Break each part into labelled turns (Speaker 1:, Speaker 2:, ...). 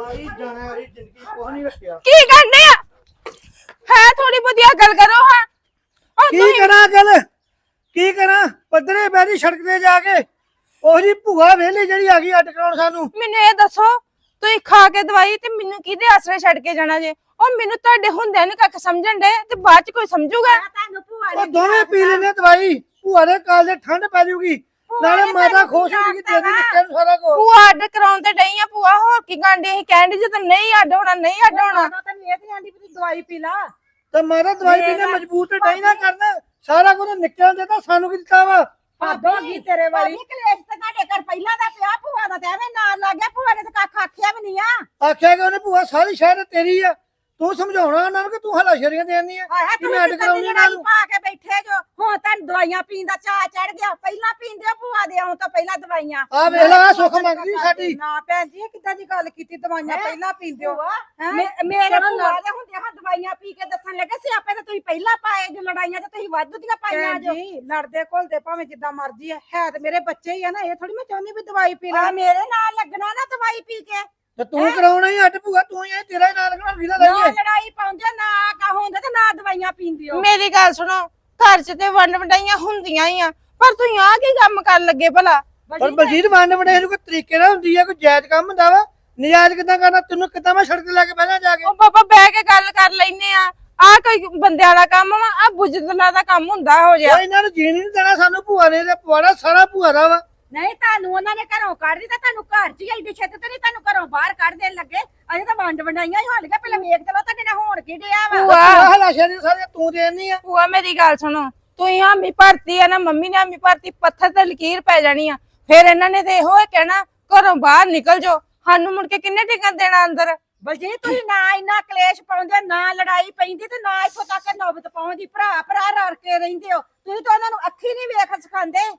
Speaker 1: ਆਈ ਜਾਣਾ ਵਾਲੀ ਜ਼ਿੰਦਗੀ ਕੁਛ ਨਹੀਂ ਰੱਖਿਆ।
Speaker 2: ਕੀ ਕਰਨੇ ਆ ਹੈ ਥੋੜੀ ਵਧੀਆ ਗੱਲ ਕਰੋ ਹਾਂ
Speaker 1: ਕੀ ਕਰਾਂ ਗੱਲ ਕੀ ਕਰਾਂ ਪੱਧਰੇ ਬੈਠੀ ਸੜਕ ਤੇ ਜਾ ਕੇ ਉਹ ਜੀ ਭੂਆ ਵੇਲੀ ਜਿਹੜੀ ਆ ਗਈ ਅੱਡ ਕਰਾਉਣ ਸਾਨੂੰ।
Speaker 2: ਮੈਨੂੰ ਇਹ ਦੱਸੋ ਤੁਸੀਂ ਖਾ ਕੇ ਦਵਾਈ ਤੇ ਮੈਨੂੰ ਕਿਹਦੇ ਆਸਰੇ ਛੱਡ ਕੇ ਜਾਣਾ ਜੇ ਉਹ ਮੈਨੂੰ ਤੁਹਾਡੇ ਹੁੰਦਿਆਂ ਨੂੰ ਕੱਖ ਸਮਝਣ ਦੇ ਤੇ ਬਾਅਦ ਚ ਕੋਈ ਸਮਝੂਗਾ।
Speaker 1: ਉਹ ਦੋਵੇਂ ਪੀ ਲੈਣੇ ਦਵਾਈ ਭੂਆ ਦੇ ਕਾਲ ਦੇ ਠੰਡ ਪੈ ਜੂਗੀ ਨਾਲੇ ਮਾਤਾ ਖੁਸ਼ ਹੋ ਜੂਗੀ ਤੇਰੀ ਨਿੱਕੇ ਨੂੰ ਸਾਰਾ ਕੁਝ।
Speaker 2: ਭੂਆ ਅੱਡ ਕਰਾਉਣ ਤੇ ਡਈ ਆ ਭੂਆ ਹੋਰ ਕੀ ਗਾਂਡੇ ਅਸੀਂ ਕਹਿੰਦੇ ਜੇ ਤੈਨੂੰ ਨਹੀਂ ਅੱਡ ਹੋਣਾ ਨਹੀਂ ਅੱਡ ਹੋਣਾ
Speaker 3: ਤੈਨੂੰ ਇਹ ਤੇ ਆਂਦੀ ਵੀ ਦਵਾਈ ਪੀ ਲਾ
Speaker 1: ਤੇ ਮਾਤਾ ਦਵਾਈ ਪੀਣੇ ਮਜਬੂਰ ਤੇ ਨਹੀਂ ਨਾ ਕਰਨਾ ਸਾਰਾ ਕੁਝ ਨਿੱਕਿਆਂ ਦੇ ਤਾਂ ਸਾਨੂੰ ਕੀ ਦਿੱਤਾ ਵਾ।
Speaker 3: ਭਾਦੋਂ ਕੀ ਤੇਰੇ ਵਾਲੀ ਕਲੇਸ਼ ਤੇ ਤੁਹਾਡੇ ਘਰ ਪਹਿਲਾਂ ਦਾ ਪਿਆ ਭੂਆ ਦਾ ਤੇ ਐਵੇਂ ਨਾਲ ਲੱਗ ਗਿਆ ਭੂਆ ਨੇ ਤੇ ਕੱਖ ਆਖਿਆ ਵੀ ਨਹੀਂ ਆ।
Speaker 1: ਆਖਿਆ ਕਿ ਉਹਨੇ ਭੂਆ ਸਾਰੀ ਸ਼ਹਿਰ ਤੇਰੀ ਆ ਤੂੰ ਸਮਝਾਉਣਾ ਉਹਨਾਂ ਨੂੰ ਕਿ ਤੂੰ ਹਲਾਸ਼ਰੀਆਂ ਦੇਣੀ ਆ ਕਿ ਮੈਂ ਅੱਡ ਕਰਾਉਣੀ ਉਹਨਾਂ ਨੂੰ।
Speaker 3: ਪਾ ਕੇ ਬੈਠੇ ਜੋ ਹੁਣ ਤਾਂ ਦਵਾਈਆਂ ਪੀਣ ਦਾ ਚਾਹ ਚੜ ਗਿਆ ਪਹਿਲਾਂ ਪੀਂਦੇ ਭੂਆ ਦੇ ਆਉਂ ਤਾਂ ਪਹਿਲਾਂ ਦਵਾਈਆਂ
Speaker 1: ਆ ਵੇਖ ਲੈ ਸੁੱਖ ਮੰਗਦੀ ਸਾਡੀ।
Speaker 3: ਨਾ ਭੈਣ ਜੀ ਕਿੱਦਾਂ ਦੀ ਗੱਲ ਕੀਤੀ ਦਵਾਈਆਂ ਪਹਿਲਾਂ ਪੀਂਦੇ ਹੋ ਮੇਰੇ ਭੂਆ ਦੇ ਹੁੰਦੇ ਹਾਂ ਦਵਾਈਆਂ ਪੀ ਕੇ ਦੱਸਣ ਲੱਗੇ ਸਿਆਪੇ ਤਾਂ ਤੁਸੀਂ ਪਹਿਲਾਂ ਪਾਏ ਜੋ ਲੜਾਈਆਂ ਤੇ ਤੁਸੀਂ ਵਾਧੂ ਦੀਆਂ ਪਾਈਆਂ ਜੋ ਜੀ ਲੜਦੇ ਘੁਲਦੇ ਭਾਵੇਂ ਜਿੱਦਾਂ ਮਰਜ਼ੀ ਹੈ ਤੇ ਮੇਰੇ ਬੱਚੇ ਹੀ ਆ ਨਾ ਇਹ ਥੋੜੀ ਮੈਂ ਚਾਹੁੰਦੀ ਵੀ ਦਵਾਈ ਪੀ ਲੈ ਮੇਰੇ ਨਾਲ ਲੱਗਣਾ ਨਾ ਦਵਾਈ ਪੀ ਕੇ
Speaker 1: ਤੇ ਤੂੰ ਕਰਾਉਣਾ ਹੀ ਅੱਡ ਭੂਆ ਤੂੰ ਹੀ ਤੇਰਾ ਹੀ ਨਾਲ ਲੱਗਣਾ ਵੀਰਾ
Speaker 3: ਨਾ
Speaker 1: ਲਈਏ।
Speaker 3: ਲੜਾਈ ਪਾਉਂਦੇ ਨਾ ਕਾ ਹੁੰਦੇ ਤੇ ਨਾ ਦਵਾਈਆਂ ਪੀਂਦੇ ਹੋ।
Speaker 2: ਮੇਰੀ ਗੱਲ ਸੁਣੋ ਘਰ 'ਚ ਤੇ ਵੰਡ ਵੰਡਾਈਆਂ ਹੁੰਦੀਆਂ ਹੀ ਆ ਪਰ ਤੁਸੀਂ ਆ ਕੀ ਕੰਮ ਕਰਨ ਲੱਗੇ ਭਲਾ।
Speaker 1: ਪਰ ਬਲਜੀਤ ਵੰਡ ਵੰਡੇ ਨੂੰ ਕੋਈ ਤਰੀਕੇ ਨਾਲ ਹੁੰਦੀ ਆ ਕੋਈ ਜਾਇਜ਼ ਕੰਮ ਹੁੰਦਾ ਵਾ ਨਜਾਇਜ਼ ਕਿੱਦਾਂ ਕਰਨਾ ਤੈਨੂੰ ਕਿੱਦਾਂ ਮੈਂ ਸੜਕ ਤੇ ਲੈ ਕੇ ਬਹਿਣਾ ਜਾ ਕੇ।
Speaker 2: ਉਹ ਬਾਬਾ ਬਹਿ ਕੇ ਗੱਲ ਕਰ ਲੈਨੇ ਆ ਕੋਈ ਬੰਦਿਆਂ ਦਾ ਕੰਮ ਵਾ ਆ ਬੁਜਦਲਾ ਦਾ ਕੰਮ ਹੁੰਦਾ ਹੋ ਜਾ।
Speaker 1: ਉਹ ਇਹਨਾਂ ਨੂੰ ਜੀਣ ਨਹੀਂ ਦੇਣਾ ਸਾਨੂੰ ਭੂਆ ਨੇ ਤੇ ਪਵਾੜਾ ਸਾਰਾ ਭੂਆ ਦਾ ਵਾ।
Speaker 3: ਨਹੀਂ ਤੁਹਾਨੂੰ ਉਹਨਾਂ ਨੇ ਘਰੋਂ ਕੱਢ ਦਿੱਤਾ ਤੁਹਾਨੂੰ ਘਰ 'ਚ ਹੀ ਐਡੀ ਛੇਤੀ ਤੇ ਨਹੀਂ ਤੁਹਾਨੂੰ ਘਰੋਂ ਬਾਹਰ ਕੱਢ ਦੇਣ ਲੱਗੇ ਅਜੇ ਤਾਂ ਵੰਡ ਵੰਡਾਈਆਂ ਹੀ ਹਾਲ ਗਿਆ ਪਹਿਲਾਂ ਵੇਖ ਤੇ ਲੋ ਤੁਹਾਡੇ ਨਾਲ ਹੋਣ ਕੀ ਡਿਆ ਵਾ।
Speaker 2: ਭੂਆ
Speaker 1: ਹਲਾਸ਼ਰੀਆਂ ਸਾਰੀਆਂ ਤੂੰ ਦੇਣੀ ਆ।
Speaker 2: ਭੂਆ ਮੇਰੀ ਗੱਲ ਸੁਣੋ ਤੁਸੀਂ ਹਾਮੀ ਭਰਤੀ ਆ ਨਾ ਮੰਮੀ ਨੇ ਹਾਮੀ ਭਰਤੀ ਪੱਥਰ ਤੇ ਲਕੀਰ ਪੈ ਜਾਣੀ ਆ ਫਿਰ ਇਹਨਾਂ ਨੇ ਤੇ ਇਹੋ ਕਹਿਣਾ ਘਰੋਂ ਬਾਹਰ ਨਿਕਲ ਜਾਓ ਸਾਨੂੰ ਮੁੜ ਕੇ ਕਿੰਨੇ ਟਿਕਣ ਦੇਣਾ ਅੰਦਰ।
Speaker 3: ਬਲਜੀਤ ਤੁਸੀਂ ਨਾ ਇੰਨਾ ਕਲੇਸ਼ ਪਾਉਂਦੇ ਨਾ ਲੜਾਈ ਪੈਂਦੀ ਤੇ ਨਾ ਇੱਥੋਂ ਤੱਕ ਨੌਬਤ ਪਾਉਂਦੀ ਭਰਾ ਭਰਾ ਰਲ ਕੇ ਰਹਿੰਦੇ ਹੋ ਤੁਸੀਂ ਤਾਂ ਉਹਨਾਂ ਨੂੰ ਅੱਖੀ ਨਹੀਂ ਵੇਖ ਸਿਖਾਉਂਦੇ।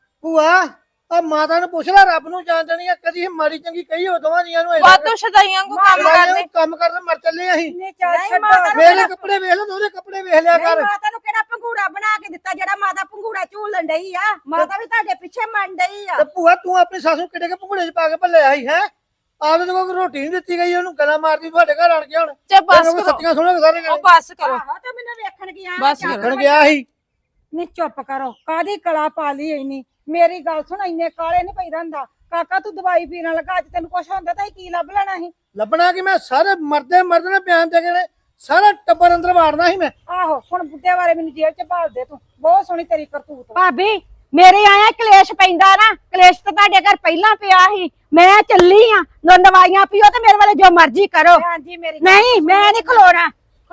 Speaker 1: ਭੂਆ ਆ ਮਾਤਾ ਨੂੰ ਪੁੱਛ ਲੈ ਰੱਬ ਨੂੰ ਜਾਣਦਣੀ ਆ ਕਦੀ ਮਾੜੀ ਚੰਗੀ ਕਹੀ ਹੋ ਦੋਵਾਂ ਜੀਆਂ ਨੂੰ
Speaker 2: ਵਾਧੂ ਸ਼ਦਾਈਆਂ ਕੋ ਕੰਮ ਕਰਦੇ
Speaker 1: ਕੰਮ ਕਰਨ ਮਰ ਚੱਲੇ ਅਸੀਂ।
Speaker 3: ਨਹੀਂ ਚੱਲ ਛੱਡੋ
Speaker 1: ਮੇਰੇ ਕੱਪੜੇ ਵੇਖ ਲਓ ਉਹਦੇ ਕੱਪੜੇ ਵੇਖ ਲਿਆ ਕਰ।
Speaker 3: ਮਾਤਾ ਨੂੰ ਕਿਹੜਾ ਪੰਗੂੜਾ ਬਣਾ ਕੇ ਦਿੱਤਾ ਜਿਹੜਾ ਮਾਤਾ ਪੰਗੂੜਾ ਝੂਲਣ ਡਈ ਆ ਮਾਤਾ ਵੀ ਤੁਹਾਡੇ ਪਿੱਛੇ ਮੰਨ ਡਈ ਆ।
Speaker 1: ਤੇ ਭੂਆ ਤੂੰ ਆਪਣੀ ਸੱਸ ਨੂੰ ਕਿੱਡੇ ਕੇ ਭੰਗੂੜੇ 'ਚ ਪਾ ਕੇ ਭੱਲੇ ਆਈ ਹੈ ਆਪਦੇ ਤੋਂ ਕੋਈ ਰੋਟੀ ਨਹੀਂ ਦਿੱਤੀ ਗਈ ਉਹਨੂੰ ਗਲਾ ਮਾਰਦੀ ਤੁਹਾਡੇ ਘਰ ਆਣ ਕੇ ਹੁਣ
Speaker 2: ਤੇ ਬਸ ਕਰੋ
Speaker 1: ਸੱਚੀਆਂ ਸੁਣੋ ਸਾਰੇ
Speaker 2: ਉਹ ਬਸ ਕਰੋ
Speaker 3: ਆਹੋ ਤੇ ਮੈਨੂੰ ਵੇਖਣ ਗਿਆ
Speaker 2: ਬਸ
Speaker 1: ਵੇਖਣ ਗਿਆ ਸੀ।
Speaker 3: ਨਹੀਂ ਚੁੱਪ ਕਰੋ ਕਾਦੀ ਕਲਾ ਪਾ ਲਈ ਇੰਨੀ ਮੇਰੀ ਗੱਲ ਸੁਣ ਇੰਨੇ ਕਾਲੇ ਨਹੀਂ ਪਈ ਰਹਿੰਦਾ ਕਾਕਾ ਤੂੰ ਦਵਾਈ ਪੀਣ ਲੱਗਾ ਅੱਜ ਤੈਨੂੰ ਕੁਛ ਹੁੰਦਾ ਤਾਂ ਕੀ ਲੱਭ ਲੈਣਾ ਸੀ।
Speaker 1: ਲੱਭਣਾ ਕਿ ਮੈਂ ਸਾਰੇ ਮਰਦੇ ਨੇ ਬਿਆਨ ਦੇ ਕੇ ਸਾਰਾ ਟੱਬਰ ਅੰਦਰ ਵਾੜਨਾ ਸੀ ਮੈਂ।
Speaker 3: ਆਹੋ ਹੁਣ ਬੁੱਢੇ ਬਾਰੇ ਮੈਨੂੰ ਜੇਲ੍ਹ ਚ ਭਾਲ ਦੇ ਤੂੰ ਬਹੁਤ ਸੋਹਣੀ ਤੇਰੀ ਕਰਤੂਤ ਭਾਬੀ ਮੇਰੇ ਆਇਆ ਕਲੇਸ਼ ਪੈਂਦਾ ਨਾ ਕਲੇਸ਼ ਤਾਂ ਤੁਹਾਡੇ ਘਰ ਪਹਿਲਾਂ ਪਿਆ ਸੀ ਮੈਂ ਚੱਲੀ ਆ ਦਵਾਈਆਂ ਪੀਓ ਤੇ ਮੇਰੇ ਵਾਲੇ ਜੋ ਮਰਜ਼ੀ ਕਰੋ। ਹਾਂਜੀ ਮੇਰੀ ਨਹੀਂ ਮੈਂ ਨਹੀਂ ਖਲੋਣਾ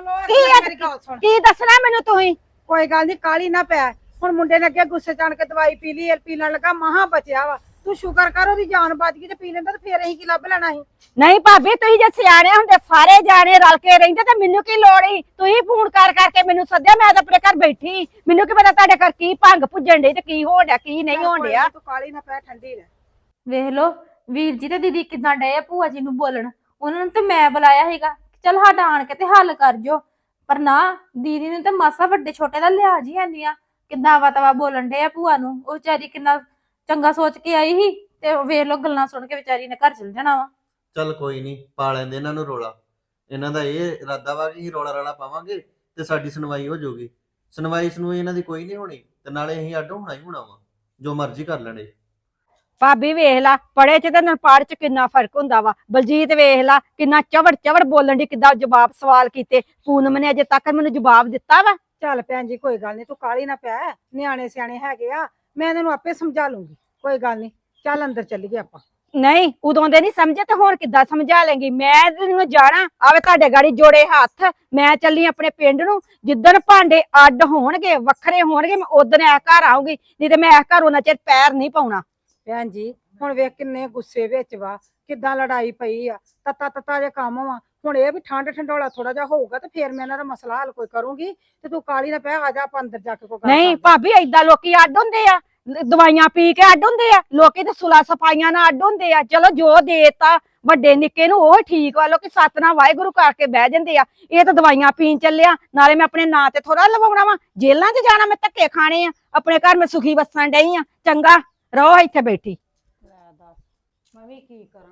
Speaker 3: ਕੀ ਦੱਸਣਾ ਮੈਨੂੰ ਤੁਸੀਂ। ਕੋਈ ਗੱਲ ਨਹੀਂ ਕਾਲੀ ਨਾ ਪੈ ਹੁਣ ਮੁੰਡੇ ਨੇ ਅੱਗੇ ਗੁੱਸੇ ਚ ਆਣ ਕੇ ਦਵਾਈ ਪੀ ਲਈ ਪੀਣ ਲੱਗਾ ਮਹਾ ਬਚਿਆ ਵਾ ਤੂੰ ਸ਼ੁਕਰ ਕਰ ਉਹਦੀ ਜਾਨ ਬਚ ਗਈ ਤੇ ਪੀ ਲੈਂਦਾ ਤੇ ਫੇਰ ਅਸੀਂ ਕੀ ਲੱਭ ਲੈਣਾ ਸੀ। ਨਹੀਂ ਭਾਬੀ ਤੁਸੀਂ ਜੇ ਸਿਆਣੇ ਹੁੰਦੇ ਸਾਰੇ ਜਾਣੇ ਰਲ ਕੇ ਰਹਿੰਦੇ ਤੇ ਮੈਨੂੰ ਕੀ ਲੋੜ ਸੀ ਤੁਸੀਂ ਫੋਨ ਕਰ ਕਰਕੇ ਮੈਨੂੰ ਸੱਦਿਆ ਮੈਂ ਤਾਂ ਆਪਣੇ ਘਰ ਬੈਠੀ ਮੈਨੂੰ ਕੀ ਪਤਾ ਤੁਹਾਡੇ ਘਰ ਕੀ ਭੰਗ ਭੁੱਜਣ ਡਈ ਤੇ ਕੀ ਹੋਣ ਡਿਆ ਕੀ ਨਹੀਂ ਹੋਣ ਡਿਆ। ਤੂੰ ਕਾਲੀ ਨਾ ਪੈ ਠੰਡੀ ਰਹਿ।
Speaker 4: ਵੇਖ ਲੋ ਵੀਰ ਜੀ ਤੇ ਦੀਦੀ ਕਿਦਾਂ ਡਏ ਆ ਭੂਆ ਜੀ ਨੂੰ ਬੋਲਣ ਉਹਨਾਂ ਨੂੰ ਤੇ ਮੈਂ ਬੁਲਾਇਆ ਸੀਗਾ ਚੱਲ ਸਾਡਾ ਆਣ ਕੇ ਤੇ ਹੱਲ ਕਰ ਜੋ ਪਰ ਨਾ ਦੀਦੀ ਨੂੰ ਤੇ ਮਾਸਾ ਵੱਡੇ ਛੋਟੇ ਦਾ ਲਿਹਾਜ਼ ਹੀ ਹੈਨੀ ਆ ਕਿੱਦਾਂ ਵਤਵਾ ਬੋਲਣ ਡਏ ਆ ਭੂਆ ਨੂੰ ਉਹ ਵਿਚਾਰੀ ਕਿੰਨਾ ਚੰਗਾ ਸੋਚ ਕੇ ਆਈ ਸੀ ਤੇ ਵੇਖ ਲੋ ਗੱਲਾਂ ਸੁਣ ਕੇ ਵਿਚਾਰੀ ਨੇ ਘਰ ਚਲ ਜਾਣਾ ਵਾ।
Speaker 5: ਚੱਲ ਕੋਈ ਨਹੀਂ ਪਾ ਲੈਂਦੇ ਇਹਨਾਂ ਨੂੰ ਰੋਲਾ ਇਹਨਾਂ ਦਾ ਇਹ ਇਰਾਦਾ ਵਾ ਕਿ ਰੋਲਾ ਰਾਲਾ ਪਾਵਾਂਗੇ ਤੇ ਸਾਡੀ ਸੁਣਵਾਈ ਹੋ ਜਾਊਗੀ ਸੁਣਵਾਈ ਇਹਨਾਂ ਦੀ ਕੋਈ ਨਹੀਂ ਹੋਣੀ ਤੇ ਨਾਲੇ ਅਸੀਂ ਅੱਡ ਹੋਣਾ ਹੀ ਹੋਣਾ ਵਾ ਜੋ ਮਰਜ਼ੀ ਕਰ ਲੈਣੇ।
Speaker 3: ਭਾਬੀ ਵੇਖ ਲਾ ਪੜੇ ਚ ਤੇ ਨਪਾੜ ਚ ਕਿੰਨਾ ਫਰਕ ਹੁੰਦਾ ਵਾ। ਬਲਜੀਤ ਵੇਖ ਲਾ ਕਿੰਨਾ ਚਵੜ ਬੋਲਣ ਦੀ ਕਿੱਦਾਂ ਜਵਾਬ ਸਵਾਲ ਕੀਤੇ ਪੂਨਮ ਨੇ ਅਜੇ ਤੱਕ ਮੈਨੂੰ ਜਵਾਬ ਦਿੱਤਾ ਵਾ। ਚੱਲ ਭੈਣ ਜੀ ਕੋਈ ਗੱਲ ਨਹੀਂ ਤੂੰ ਕਾਲੀ ਨਾ ਪੈ ਨਿਆਣੇ ਸਿਆਣੇ ਹੈਗੇ ਆ ਮੈਂ ਇਹਨਾਂ ਨੂੰ ਆਪੇ ਸਮਝਾ ਲੂੰਗੀ ਕੋਈ ਗੱਲ ਨਹੀਂ ਚੱਲ ਅੰਦਰ ਚੱਲੀਏ ਆਪਾਂ। ਨਹੀਂ ਉਦੋਂ ਦੇ ਨਹੀਂ ਸਮਝੇ ਤੇ ਹੋਰ ਕਿੱਦਾਂ ਸਮਝਾ ਲੇਂਗੀ ਮੈਂ ਤੈਨੂੰ ਜਾਣਾ ਆਵੇ ਤੁਹਾਡੇ ਗਾੜੀ ਜੋੜੇ ਹੱਥ ਮੈਂ ਚੱਲੀ ਆਪਣੇ ਪਿੰਡ ਨੂੰ ਜਿੱਦਣ ਭਾਂਡੇ ਅੱਡ ਹੋਣਗੇ ਵੱਖਰੇ ਹੋਣਗੇ ਮੈਂ ਉਦੋਂ ਇਹ ਘਰ ਆਉਂਗੀ ਨਹੀਂ ਤੇ ਮੈਂ ਇਹ ਘਰ ਉਹਨਾਂ ਚਿਰ ਪੈਰ ਨਹੀਂ ਪਾਉਣਾ। ਭੈਣ ਜੀ ਹੁਣ ਵੇਖ ਕਿੰਨੇ ਗੁੱਸੇ ਵਿੱਚ ਵਾ ਕਿੱਦਾਂ ਲੜਾਈ ਪਈ ਆ ਤਤਾ ਜੇ ਕੰਮ ਵਾ ਹੁਣ ਇਹ ਵੀ ਠੰਡ ਠੰਡੋਲਾ ਥੋੜਾ ਜਿਹਾ ਹੋਊਗਾ ਤੇ ਫੇਰ ਮੈਂ ਇਹਨਾਂ ਦਾ ਮਸਲਾ ਹੱਲ ਕੋਈ ਕਰੂੰਗੀ ਤੇ ਤੂੰ ਕਾਲੀ ਨਾ ਪੈ ਆ ਜਾ ਆਪਾਂ ਅੰਦਰ ਜਾ ਕੇ ਕੋਈ ਨਹੀਂ ਭਾਬੀ ਏਦਾਂ ਲੋਕੀ ਅੱਡ ਹੁੰਦੇ ਆ ਦਵਾਈਆਂ ਪੀ ਕੇ ਅੱਡ ਹੁੰਦੇ ਆ ਲੋਕੀ ਤੇ ਸੁਲਾ ਸਫਾਈਆਂ ਨਾਲ ਅੱਡ ਹੁੰਦੇ ਆ ਚਲੋ ਜੋ ਦੇਤਾ ਵੱਡੇ ਨਿੱਕੇ ਨੂੰ ਉਹ ਠੀਕ ਵਾ ਲੋਕੀ ਸਤਨਾਮ ਵਾਹਿਗੁਰੂ ਕਰਕੇ ਬਹਿ ਜਾਂਦੇ ਆ ਇਹ ਤਾਂ ਦਵਾਈਆਂ ਪੀਣ ਚੱਲਿਆ ਨਾਲੇ ਮੈਂ ਆਪਣੇ ਨਾਂ ਤੇ ਥੋੜਾ ਲਵਾਉਣਾ ਵਾ ਜੇਲਾਂ 'ਚ ਜਾਣਾ ਮੈਂ ਧੱਕੇ ਖਾਣੇ ਆ ਆਪਣੇ ਘਰ ਮੈਂ ਸੁਖੀ ਵਸਣ ਡਈ ਆ ਚੰਗਾ ਰਹੋ ਇੱਥੇ ਬੈਠੀ। ਮੈਂ ਵੀ ਕੀ ਕਰਾਂ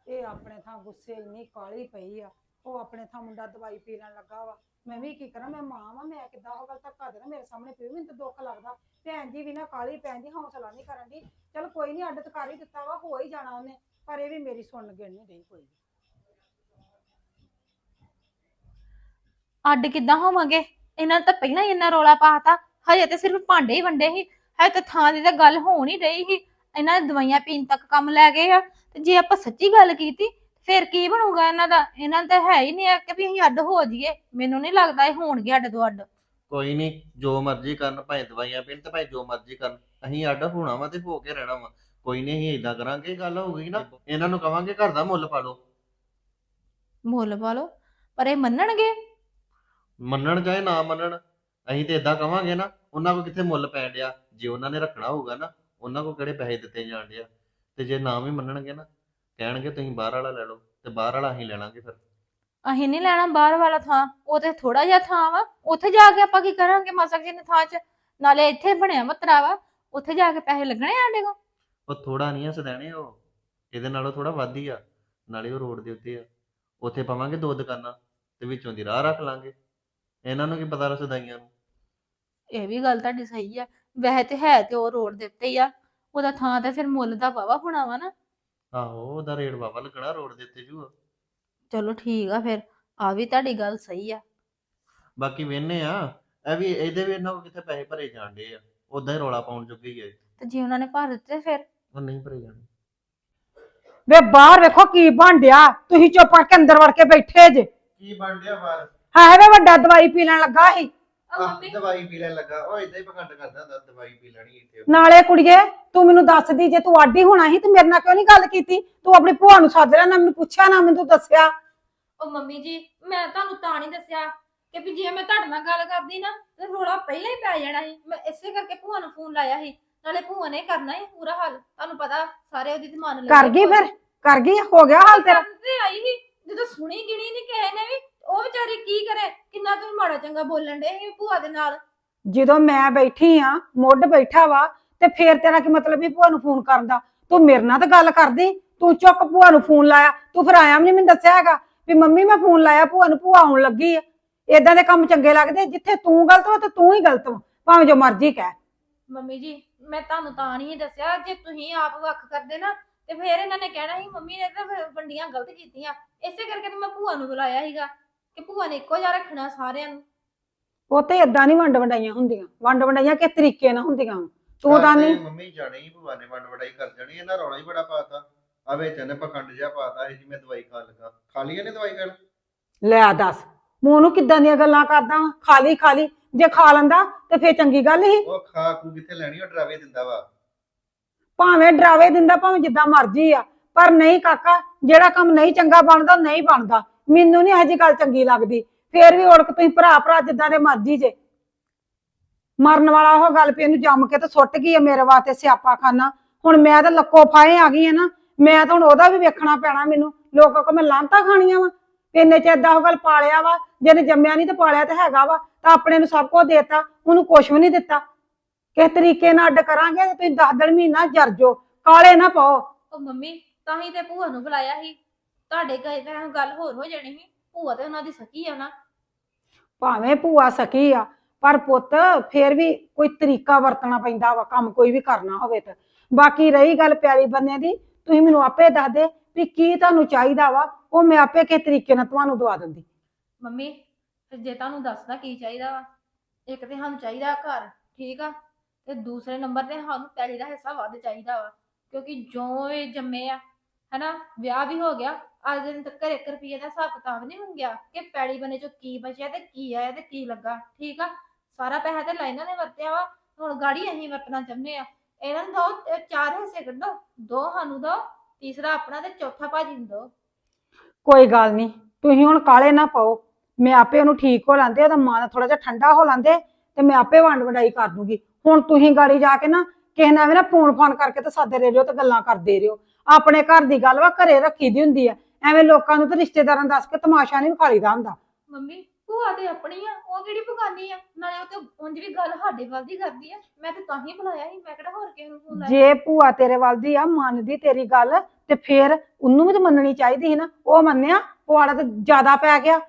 Speaker 3: ਇਹ ਆਪਣੇ ਥਾਂ ਗੁੱਸੇ ਇੰਨੀ ਕਾਲੀ ਪਈ ਆ। ਉਹ ਆਪਣੇ ਥਾਂ ਮੁੰਡਾ ਦਵਾਈ ਪੀ ਲੈਣ ਲੱਗਾ ਵਾ। ਮੈਂ ਵੀ ਕੀ ਕਰਾਂ, ਮੈਂ ਮਾਂ ਵਾਂ, ਮੈਂ ਕਿੱਦਾਂ ਉਹ ਗੱਲ ਧੱਕਾ ਦੇਣਾ ਮੇਰੇ ਸਾਹਮਣੇ ਪਈ। ਮੈਨੂੰ ਤਾਂ ਦੁੱਖ ਲੱਗਦਾ। ਭੈਣ ਜੀ ਵੀ ਨਾ ਕਾਲੀ, ਭੈਣ ਜੀ ਹੌਸਲਾ ਨਹੀਂ ਕਰਨ ਦੀ। ਚਲ ਕੋਈ ਨਹੀਂ, ਅੱਡ ਤਾਂ ਕਰ ਹੀ ਦਿੱਤਾ ਵਾ, ਹੋ ਹੀ ਜਾਣਾ ਉਹਨੇ। ਪਰ ਇਹ ਵੀ ਮੇਰੀ ਸੁਣਨ ਗਿਣ ਨਹੀਂ ਰਹੀ ਕੋਈ।
Speaker 4: ਅੱਡ ਕਿੱਦਾਂ ਹੋਵਾਂਗੇ? ਇਹਨਾਂ ਨੇ ਤਾਂ ਪਹਿਲਾਂ ਹੀ ਇੰਨਾ ਰੌਲਾ ਪਾਤਾ। ਹਜੇ ਤੇ ਸਿਰਫ ਭਾਂਡੇ ਹੀ ਵੰਡੇ ਸੀ, ਹਜੇ ਤਾਂ ਥਾਂ ਦੀ ਤਾਂ ਗੱਲ ਹੋ ਨਹੀਂ ਰਹੀ ਸੀ। ਇਹਨਾਂ ਨੇ ਦਵਾਈਆਂ ਪੀਣ ਤੱਕ ਕੰਮ ਲੈ ਗਏ ਆ। ਤੇ ਜੇ ਆਪਾਂ ਸੱਚੀ ਗੱਲ ਕੀਤੀ ਫਿਰ ਕੀ ਬਣੂਗਾ ਇਹਨਾਂ ਦਾ? ਇਹਨਾਂ ਦਾ ਹੈ ਹੀ ਨਹੀਂ ਕਿ ਵੀ ਅਸੀਂ ਅੱਡ ਹੋ ਜਾਈਏ। ਮੈਨੂੰ ਨਹੀਂ ਲੱਗਦਾ ਇਹ ਹੋਣਗੇ ਅੱਡ ਤੋਂ ਅੱਡ।
Speaker 5: ਕੋਈ ਨਹੀਂ, ਜੋ ਮਰਜ਼ੀ ਕਰਨ, ਭਾਵੇਂ ਦਵਾਈਆਂ ਪੀਣ ਤੇ ਭਾਵੇਂ ਜੋ ਮਰਜ਼ੀ ਕਰਨ, ਅਸੀਂ ਅੱਡ ਹੋਣਾ ਵਾ ਤੇ ਹੋ ਕੇ ਰਹਿਣਾ ਵਾ। ਕੋਈ ਨਹੀਂ, ਅਸੀਂ ਏਦਾਂ ਕਰਾਂਗੇ, ਗੱਲ ਹੋਊਗੀ ਨਾ ਇਹਨਾਂ ਨੂੰ ਕਵਾਂਗੇ ਘਰ ਦਾ ਮੁੱਲ ਪਾ ਲਓ।
Speaker 4: ਮੁੱਲ ਪਾ ਲਓ? ਪਰ ਇਹ ਮੰਨਣਗੇ?
Speaker 5: ਮੰਨਣ ਚਾਹੇ ਨਾ ਮੰਨਣ, ਅਸੀਂ ਤੇ ਏਦਾਂ ਕਵਾਂਗੇ ਨਾ, ਉਹਨਾਂ ਕੋ ਕਿੱਥੇ ਮੁੱਲ ਪੈਣ ਡਿਆ। ਜੇ ਉਹਨਾਂ ਨੇ ਰੱਖਣਾ ਹੋਊਗਾ ਨਾ, ਉਹਨਾਂ ਕੋ ਕਿਹੜੇ ਪੈਸੇ ਦਿੱਤੇ ਜਾਣ ਡਿਆ। ਤੇ ਜੇ ਨਾ ਵੀ ਮੰਨਣਗੇ ਨਾ, ਕਹਿਣਗੇ ਤੁਸੀਂ ਬਾਹਰ ਵਾਲਾ ਲੈ ਲਓ, ਤੇ ਬਾਹਰ ਵਾਲਾ ਅਸੀਂ ਲੈ ਲਾਂਗੇ। ਫਿਰ
Speaker 4: ਅਸੀਂ ਨਹੀਂ ਲੈਣਾ ਬਾਹਰ ਵਾਲਾ ਥਾਂ, ਉਹ ਤੇ ਥੋੜਾ ਜਿਹਾ ਥਾਂ ਵਾ। ਉੱਥੇ ਜਾ ਕੇ ਆਪਾਂ ਕੀ ਕਰਾਂਗੇ ਮਾਸਕ ਜੀ ਨੇ ਥਾਂ 'ਚ? ਨਾਲੇ ਇੱਥੇ ਬਣਿਆ ਮਤਰਾ ਵਾ, ਉੱਥੇ ਜਾ ਕੇ ਪੈਸੇ ਲੱਗਣੇ ਸਾਡੇ ਕੋਲ।
Speaker 5: ਉਹ ਥੋੜਾ ਨਹੀਂ ਆ ਸਦੈਣੇ, ਉਹ ਇਹਦੇ ਨਾਲੋਂ ਥੋੜਾ ਵੱਧ ਹੀ ਆ। ਨਾਲੇ ਉਹ ਰੋਡ ਦੇ ਉੱਤੇ ਆ, ਉੱਥੇ ਪਾਵਾਂਗੇ 2 ਦੁਕਾਨਾਂ ਤੇ ਵਿੱਚੋਂ ਦੀ ਰਾਹ ਰੱਖ ਲਾਂਗੇ। ਇਹਨਾਂ ਨੂੰ ਕੀ ਪਤਾ ਰਸਦਾਈਆਂ ਨੂੰ।
Speaker 4: ਇਹ ਵੀ ਗੱਲ ਤੁਹਾਡੀ ਸਹੀ ਆ। ਵੈਸੇ ਤੇ ਹੈ ਤੇ ਉਹ ਰੋਡ ਦੇ ਉੱਤੇ ਹੀ ਆ, ਉਹਦਾ ਥਾਂ ਤੇ ਫਿਰ ਮੁੱਲ ਦਾ ਵਾਵਾ ਹੋਣਾ ਵਾ ਨਾ।
Speaker 5: ਆਹੋ, ਉਹਦਾ ਰੇਟ ਵਾਵਾ ਲੱਗਣਾ ਰੋਡ ਦੇ ਉੱਤੇ ਜੂ।
Speaker 4: ਚਲੋ ਠੀਕ ਆ, ਫਿਰ ਆ ਵੀ ਤੁਹਾਡੀ ਗੱਲ ਸਹੀ ਆ।
Speaker 5: ਬਾਕੀ ਵੇਨੇ ਆ, ਇਹ ਵੀ ਇਹਦੇ ਵੀ ਇਹਨਾਂ ਕੋ ਕਿੱਥੇ ਪੈਸੇ ਭਰੇ ਜਾਣਦੇ ਆ, ਉਦਾਂ ਹੀ ਰੌਲਾ ਪਾਉਣ ਜੋਗੇ ਹੀ ਆ।
Speaker 4: ਤੇ ਜੇ ਉਹਨਾਂ ਨੇ ਭਰ ਦਿੱਤੇ ਫਿਰ?
Speaker 5: ਉਹ ਨਹੀਂ ਭਰੇ ਜਾਣੇ।
Speaker 3: ਵੇ ਬਾਹਰ ਵੇਖੋ ਕੀ ਬਣ ਡਿਆ। ਤੁਸੀਂ ਚੁੱਪ ਕਰਕੇ ਅੰਦਰ ਵੜ ਕੇ ਬੈਠੇ ਜੇ।
Speaker 5: ਕੀ ਬਣ ਡਿਆ ਬਾਹਰ?
Speaker 3: ਹੈ ਵੇ ਵੱਡਾ ਦਵਾਈ ਪੀ ਲੈਣ ਲੱਗਾ ਸੀ।
Speaker 5: ਦਵਾਈ ਪੀ ਲੈਣ ਲੱਗਾ? ਉਹ ਇਦਾਂ ਹੀ ਪਖੰਡ ਕਰਦਾ ਹੁੰਦਾ, ਦਵਾਈ ਪੀ ਲੈਣੀ ਇੱਥੇ।
Speaker 3: ਨਾਲੇ ਕੁੜੀਏ, ਤੂੰ ਮੈਨੂੰ ਦੱਸਦੀ, ਜੇ ਤੂੰ ਆਡੀ ਹੋਣਾ ਸੀ ਤੇ ਮੇਰੇ ਨਾਲ ਕਿਉਂ ਨਹੀਂ ਗੱਲ ਕੀਤੀ? ਤੂੰ ਆਪਣੀ ਭੂਆ ਨੂੰ ਸੱਦ ਲਿਆ, ਨਾ ਮੈਨੂੰ ਪੁੱਛਿਆ ਨਾ ਮੈਨੂੰ ਦੱਸਿਆ।
Speaker 4: ਉਹ ਮੰਮੀ ਜੀ, ਮੈਂ ਤੁਹਾਨੂੰ ਤਾਂ ਨਹੀਂ ਦੱਸਿਆ ਕਿ ਵੀ ਜੇ ਮੈਂ ਤੁਹਾਡੇ ਨਾਲ ਗੱਲ ਕਰਦੀ ਨਾ ਤੇ ਰੋਲਾ ਪਹਿਲਾਂ ਹੀ ਪੈ ਜਾਣਾ ਸੀ। ਮੈਂ ਇਸੇ ਕਰਕੇ ਭੂਆ ਨੂੰ ਫੋਨ ਲਾਇਆ ਸੀ। ਨਾਲੇ ਭੂਆ ਨੇ ਕਰਨਾ ਹੀ ਪੂਰਾ ਹੱਲ, ਤੁਹਾਨੂੰ ਪਤਾ ਸਾਰੇ ਉਹਦੀ ਤੇ ਮੰਨ ਲੈ।
Speaker 3: ਕਰ ਗਈ? ਫਿਰ ਕਰ ਗਈ? ਹੋ ਗਿਆ ਹਾਲ ਤੇਰਾ?
Speaker 4: ਤੇ ਆਈ ਸੀ ਜਦੋਂ ਸੁਣੀ ਗਿਣੀ ਨਹੀਂ ਕਿਸੇ ਨੇ ਵੀ। ਉਹ ਵਿਚਾਰੀ ਕੀ ਕਰੇ? ਕਿੰਨਾ ਤੁਸੀਂ ਮਾੜਾ ਚੰਗਾ ਬੋਲਣ ਦੇ ਸੀ ਭੂਆ ਦੇ ਨਾਲ।
Speaker 3: ਜਦੋਂ ਮੈਂ ਬੈਠੀ ਆ, ਮੁੱਢ ਬੈਠਾ ਵਾ, ਤੇ ਫੇਰ ਤੇਰਾ ਕੀ ਮਤਲਬ ਵੀ ਭੂਆ ਨੂੰ ਫੋਨ ਕਰਨ ਦਾ? ਤੂੰ ਮੇਰੇ ਨਾਲ ਤਾਂ ਗੱਲ ਕਰਦੀ, ਤੂੰ ਚੁੱਕ ਭੂਆ ਨੂੰ ਫੋਨ ਲਾਇਆ। ਤੂੰ ਫਿਰ ਆਇਆ ਵੀ ਨਹੀਂ, ਮੈਨੂੰ ਦੱਸਿਆ ਹੈਗਾ ਵੀ ਮੰਮੀ ਮੈਂ ਫੋਨ ਲਾਇਆ ਭੂਆ ਨੂੰ, ਭੂਆ ਆਉਣ ਲੱਗੀ ਆ। ਏਦਾਂ ਦੇ ਕੰਮ ਚੰਗੇ ਲੱਗਦੇ? ਜਿੱਥੇ ਤੂੰ ਗਲਤ ਵਾ ਤੇ ਤੂੰ ਹੀ ਗਲਤ ਵਾ, ਭਾਵੇਂ ਜੋ ਮਰਜ਼ੀ ਕਹਿ।
Speaker 4: ਮੰਮੀ ਜੀ, ਮੈਂ ਤੁਹਾਨੂੰ ਤਾਂ ਨਹੀਂ ਦੱਸਿਆ। ਜੇ ਤੁਸੀਂ ਆਪ ਵੱਖ ਕਰਦੇ ਨਾ ਤੇ ਫਿਰ ਇਹਨਾਂ ਨੇ ਕਹਿਣਾ ਸੀ ਮੰਮੀ ਨੇ ਤਾਂ ਵੰਡੀਆਂ ਗਲਤ ਕੀਤੀਆਂ। ਇਸੇ ਕਰਕੇ ਤਾਂ ਮੈਂ ਭੂਆ ਨੂੰ ਬੁਲਾਇਆ ਸੀਗਾ ਕਿ ਭੂਆ ਨੇ ਇੱਕੋ ਜਿਹਾ ਰੱਖਣਾ ਸਾਰਿਆਂ ਨੂੰ।
Speaker 3: ਉਹ ਤੇ ਏਦਾਂ ਨਹੀਂ ਵੰਡ ਵੰਡਾਈਆਂ ਹੁੰਦੀਆਂ। ਵੰਡ ਵੰਡਾਈਆਂ ਕਿਸ ਤਰੀਕੇ ਨਾਲ ਹੁੰਦੀਆਂ? ਤੂੰ ਤਾਂ ਨਹੀਂ।
Speaker 5: ਮੰਮੀ ਜਾਣੀ ਹੀ ਭੂਆ ਨੇ ਵੰਡ ਵਡਾਈ ਕਰ ਜਾਣੀ। ਇਹਨਾਂ ਰੌਲਾ ਹੀ ਬੜਾ ਪਾਤਾ। ਆ ਵਿੱਚ ਇਹਨੇ ਪਖੰਡ ਜਿਹਾ ਪਾਤਾ ਇਹ ਜੀ ਮੈਂ ਦਵਾਈ ਖਾਣ ਲੱਗਾ। ਖਾ ਲਈ ਇਹਨੇ ਦਵਾਈ ਖਾਣ?
Speaker 3: ਲੈ ਦੱਸ, ਮੂੰਹ ਨੂੰ ਕਿੱਦਾਂ ਦੀਆਂ ਗੱਲਾਂ ਕਰਦਾ ਵਾ? ਖਾਲੀ ਖਾਲੀ, ਜੇ ਖਾ ਲੈਂਦਾ ਤੇ ਫੇਰ ਚੰਗੀ ਗੱਲ ਸੀ।
Speaker 5: ਉਹ ਖਾ ਕੂ ਕਿੱਥੇ ਲੈਣੀ, ਉਹ ਡਰਾਵੇ ਦਿੰਦਾ ਵਾ।
Speaker 3: ਭਾਵੇਂ ਡਰਾਵੇ ਦਿੰਦਾ, ਭਾਵੇਂ ਜਿੱਦਾਂ ਮਰਜ਼ੀ ਆ, ਪਰ ਨਹੀਂ ਕਾਕਾ, ਜਿਹੜਾ ਕੰਮ ਨਹੀਂ ਚੰਗਾ ਬਣਦਾ ਨਹੀਂ ਬਣਦਾ। ਮੈਨੂੰ ਨਹੀਂ ਇਹੋ ਜਿਹੀ ਗੱਲ ਚੰਗੀ ਲੱਗਦੀ। ਫੇਰ ਵੀ ਉੜਕ ਤੁਸੀਂ ਭਰਾ ਭਰਾ ਜਿੱਦਾਂ ਦੇ ਮਰਜ਼ੀ ਜੇ। ਮਰਨ ਵਾਲਾ ਉਹ ਗੱਲ ਵੀ ਇਹਨੂੰ ਜੰਮ ਕੇ ਤੇ ਸੁੱਟ ਗਈ ਆ ਮੇਰੇ ਵਾਸਤੇ ਸਿਆਪਾ ਖਾਨਾ। ਹੁਣ ਮੈਂ ਤਾਂ ਲੱਕੋ ਫਾਏ ਆ ਗਈ ਆ ਨਾ, ਮੈਂ ਤਾਂ ਹੁਣ ਉਹਦਾ ਵੀ ਵੇਖਣਾ ਪੈਣਾ ਮੈਨੂੰ। ਲੋਕਾਂ ਕੋ ਮੈਂ ਲਾਂਤਾਂ ਖਾਣੀਆਂ ਵਾ? ਇੰਨੇ ਚ ਏਦਾਂ ਉਹ ਗੱਲ ਪਾਲਿਆ ਵਾ, ਜਿਹਨੇ ਜੰਮਿਆ ਨਹੀਂ ਤੇ ਪਾਲਿਆ ਤੇ ਹੈਗਾ ਵਾ, ਤਾਂ ਆਪਣੇ ਨੂੰ ਸਭ ਕੁਝ ਦੇਤਾ, ਉਹਨੂੰ ਕੁਛ ਵੀ ਨਹੀਂ ਦਿੱਤਾ। ਕਿਸ ਤਰੀਕੇ ਨਾਲ ਅੱਡ ਕਰਾਂਗੇ? ਤੁਸੀਂ 10 ਮਹੀਨਾ ਜਰ ਜੋ, ਕਾਲੇ ਨਾ ਪਾਓ।
Speaker 4: ਉਹ ਮੰਮੀ, ਤਾਂ ਹੀ ਤੇ ਭੂਆ ਨੂੰ ਬੁਲਾਇਆ ਸੀ। ਤੁਹਾਡੇ ਕਹੇ ਤਾਂ ਗੱਲ ਹੋਰ ਹੋ ਜਾਣੀ ਸੀ। ਭੂਆ ਤੇ ਉਹਨਾਂ ਦੀ ਸਕੀ ਆ ਨਾ।
Speaker 3: ਭਾਵੇਂ ਭੂਆ ਸਕੀ ਆ, ਪਰ ਪੁੱਤ ਫੇਰ ਵੀ ਕੋਈ ਤਰੀਕਾ ਵਰਤਣਾ ਪੈਂਦਾ ਵਾ ਕੰਮ ਕੋਈ ਵੀ ਕਰਨਾ ਹੋਵੇ ਤਾਂ। ਬਾਕੀ ਰਹੀ ਗੱਲ ਪਿਆਰੀ ਬੰਦੇ ਦੀ, ਤੁਸੀਂ ਮੈਨੂੰ ਆਪੇ ਦੱਸ ਦੇ ਵੀ ਕੀ ਤੁਹਾਨੂੰ ਚਾਹੀਦਾ ਵਾ, ਉਹ ਮੈਂ ਆਪੇ ਕਿਸ ਤਰੀਕੇ ਨਾਲ ਤੁਹਾਨੂੰ ਦਵਾ ਦਿੰਦੀ।
Speaker 4: ਮੰਮੀ, ਫਿਰ ਜੇ ਤੁਹਾਨੂੰ ਦੱਸਦਾ ਕੀ ਚਾਹੀਦਾ ਵਾ, ਇੱਕ ਤੇ ਸਾਨੂੰ ਚਾਹੀਦਾ ਘਰ, ਠੀਕ ਆ, ਤੇ ਦੂਸਰੇ ਨੰਬਰ ਤੇ ਸਾਨੂੰ ਪੈਲੀ ਦਾ ਹਿੱਸਾ ਵੱਧ ਚਾਹੀਦਾ ਵਾ। ਕਿਉਂਕਿ ਜੋ ਇਹ ਜੰਮੇ ਆ ਹਨਾ, ਵਿਆਹ ਵੀ ਹੋ ਗਿਆ, ਅੱਜ ਦਿਨ ਤੱਕ 1 ਰੁਪਈਏ ਦਾ ਹਿਸਾਬ ਕਿਤਾਬ ਨਹੀਂ ਮੰਗਿਆ ਕਿ ਪੈਲੀ ਬਣੇ ਚੋਂ ਕੀ ਬਚਿਆ ਤੇ ਕੀ ਆਇਆ ਤੇ ਕੀ ਲੱਗਾ। ਠੀਕ ਆ, ਸਾਰਾ ਪੈਸਾ ਤੇ ਲਾਈਨਾਂ ਨੇ ਵਰਤਿਆ ਵਾ, ਹੁਣ ਗਾੜੀ ਅਸੀਂ ਵਰਤਣਾ ਚਾਹੁੰਦੇ ਆ। ਇਹਨਾਂ ਨੂੰ ਦੋ 4 ਹਿੱਸੇ ਕੱਢੋ, 2 ਸਾਨੂੰ ਦੋ, ਤੀਸਰਾ ਆਪਣਾ ਤੇ ਚੌਥਾ ਭਾਜੀ ਨੂੰ ਦੋ।
Speaker 3: ਕੋਈ ਗੱਲ ਨਹੀਂ, ਤੁਸੀਂ ਹੁਣ ਕਾਲੇ ਨਾ ਪਾਓ। ਮੈਂ ਆਪੇ ਉਹਨੂੰ ਠੀਕ ਹੋ ਲਾਂਦੇ, ਉਹਦਾ ਮਨ ਥੋੜਾ ਜਿਹਾ ਠੰਡਾ ਹੋ ਲਾਂਦੇ, ਤੇ ਮੈਂ ਆਪੇ ਵੰਡ ਵਡਾਈ ਕਰ ਦੂੰਗੀ। ਹੁਣ ਤੁਸੀਂ ਗਾੜੀ ਜਾ ਕੇ ਨਾ ਕਿਸੇ ਨਾਲ ਵੀ ਨਾ ਫੋਨ ਫਾਨ ਕਰਕੇ ਤੇ ਸਾਦੇ ਰਹੇ ਹੋ ਤੇ ਗੱਲਾਂ ਕਰਦੇ ਰਹੋ। ਆਪਣੇ ਘਰ ਦੀ ਗੱਲ ਵਾ ਘਰੇ ਰੱਖੀ ਦੀ ਹੁੰਦੀ ਆ। ਐਵੇਂ ਲੋਕਾਂ ਨੂੰ ਤੇ ਰਿਸ਼ਤੇਦਾਰਾਂ ਦੱਸ ਕੇ ਤਮਾਸ਼ਾ ਨਹੀਂ ਵਿਖਾਲੀਦਾ ਹੁੰਦਾ।
Speaker 4: ਮੰਮੀ, ਭੂਆ ਤੇ ਆਪਣੀ ਆ, ਉਹ ਕਿਹੜੀ ਬਗਾਨੀ ਆ? ਨਾਲੇ ਉਹ ਤੇ ਉਂਝ ਵੀ ਗੱਲ ਸਾਡੇ ਵੱਲ ਦੀ ਕਰਦੀ ਆ। ਮੈਂ ਤੇ ਤਾਂ ਹੀ ਬੁਲਾਇਆ ਸੀ, ਮੈਂ ਕਿਹੜਾ ਹੋਰ ਕਿਸੇ ਨੂੰ ਫੋਨ ਲਾਇਆ।
Speaker 3: ਜੇ ਭੂਆ ਤੇਰੇ ਵੱਲ ਦੀ ਆ ਮੰਨਦੀ ਤੇਰੀ ਗੱਲ ਤੇ ਫੇਰ ਉਹਨੂੰ ਵੀ ਤਾਂ ਮੰਨਣੀ ਚਾਹੀਦੀ ਸੀ ਨਾ। ਉਹ ਮੰਨਿਆ, ਪੁਆੜਾ ਤੇ ਜ਼ਿਆਦਾ ਪੈ ਗਿਆ।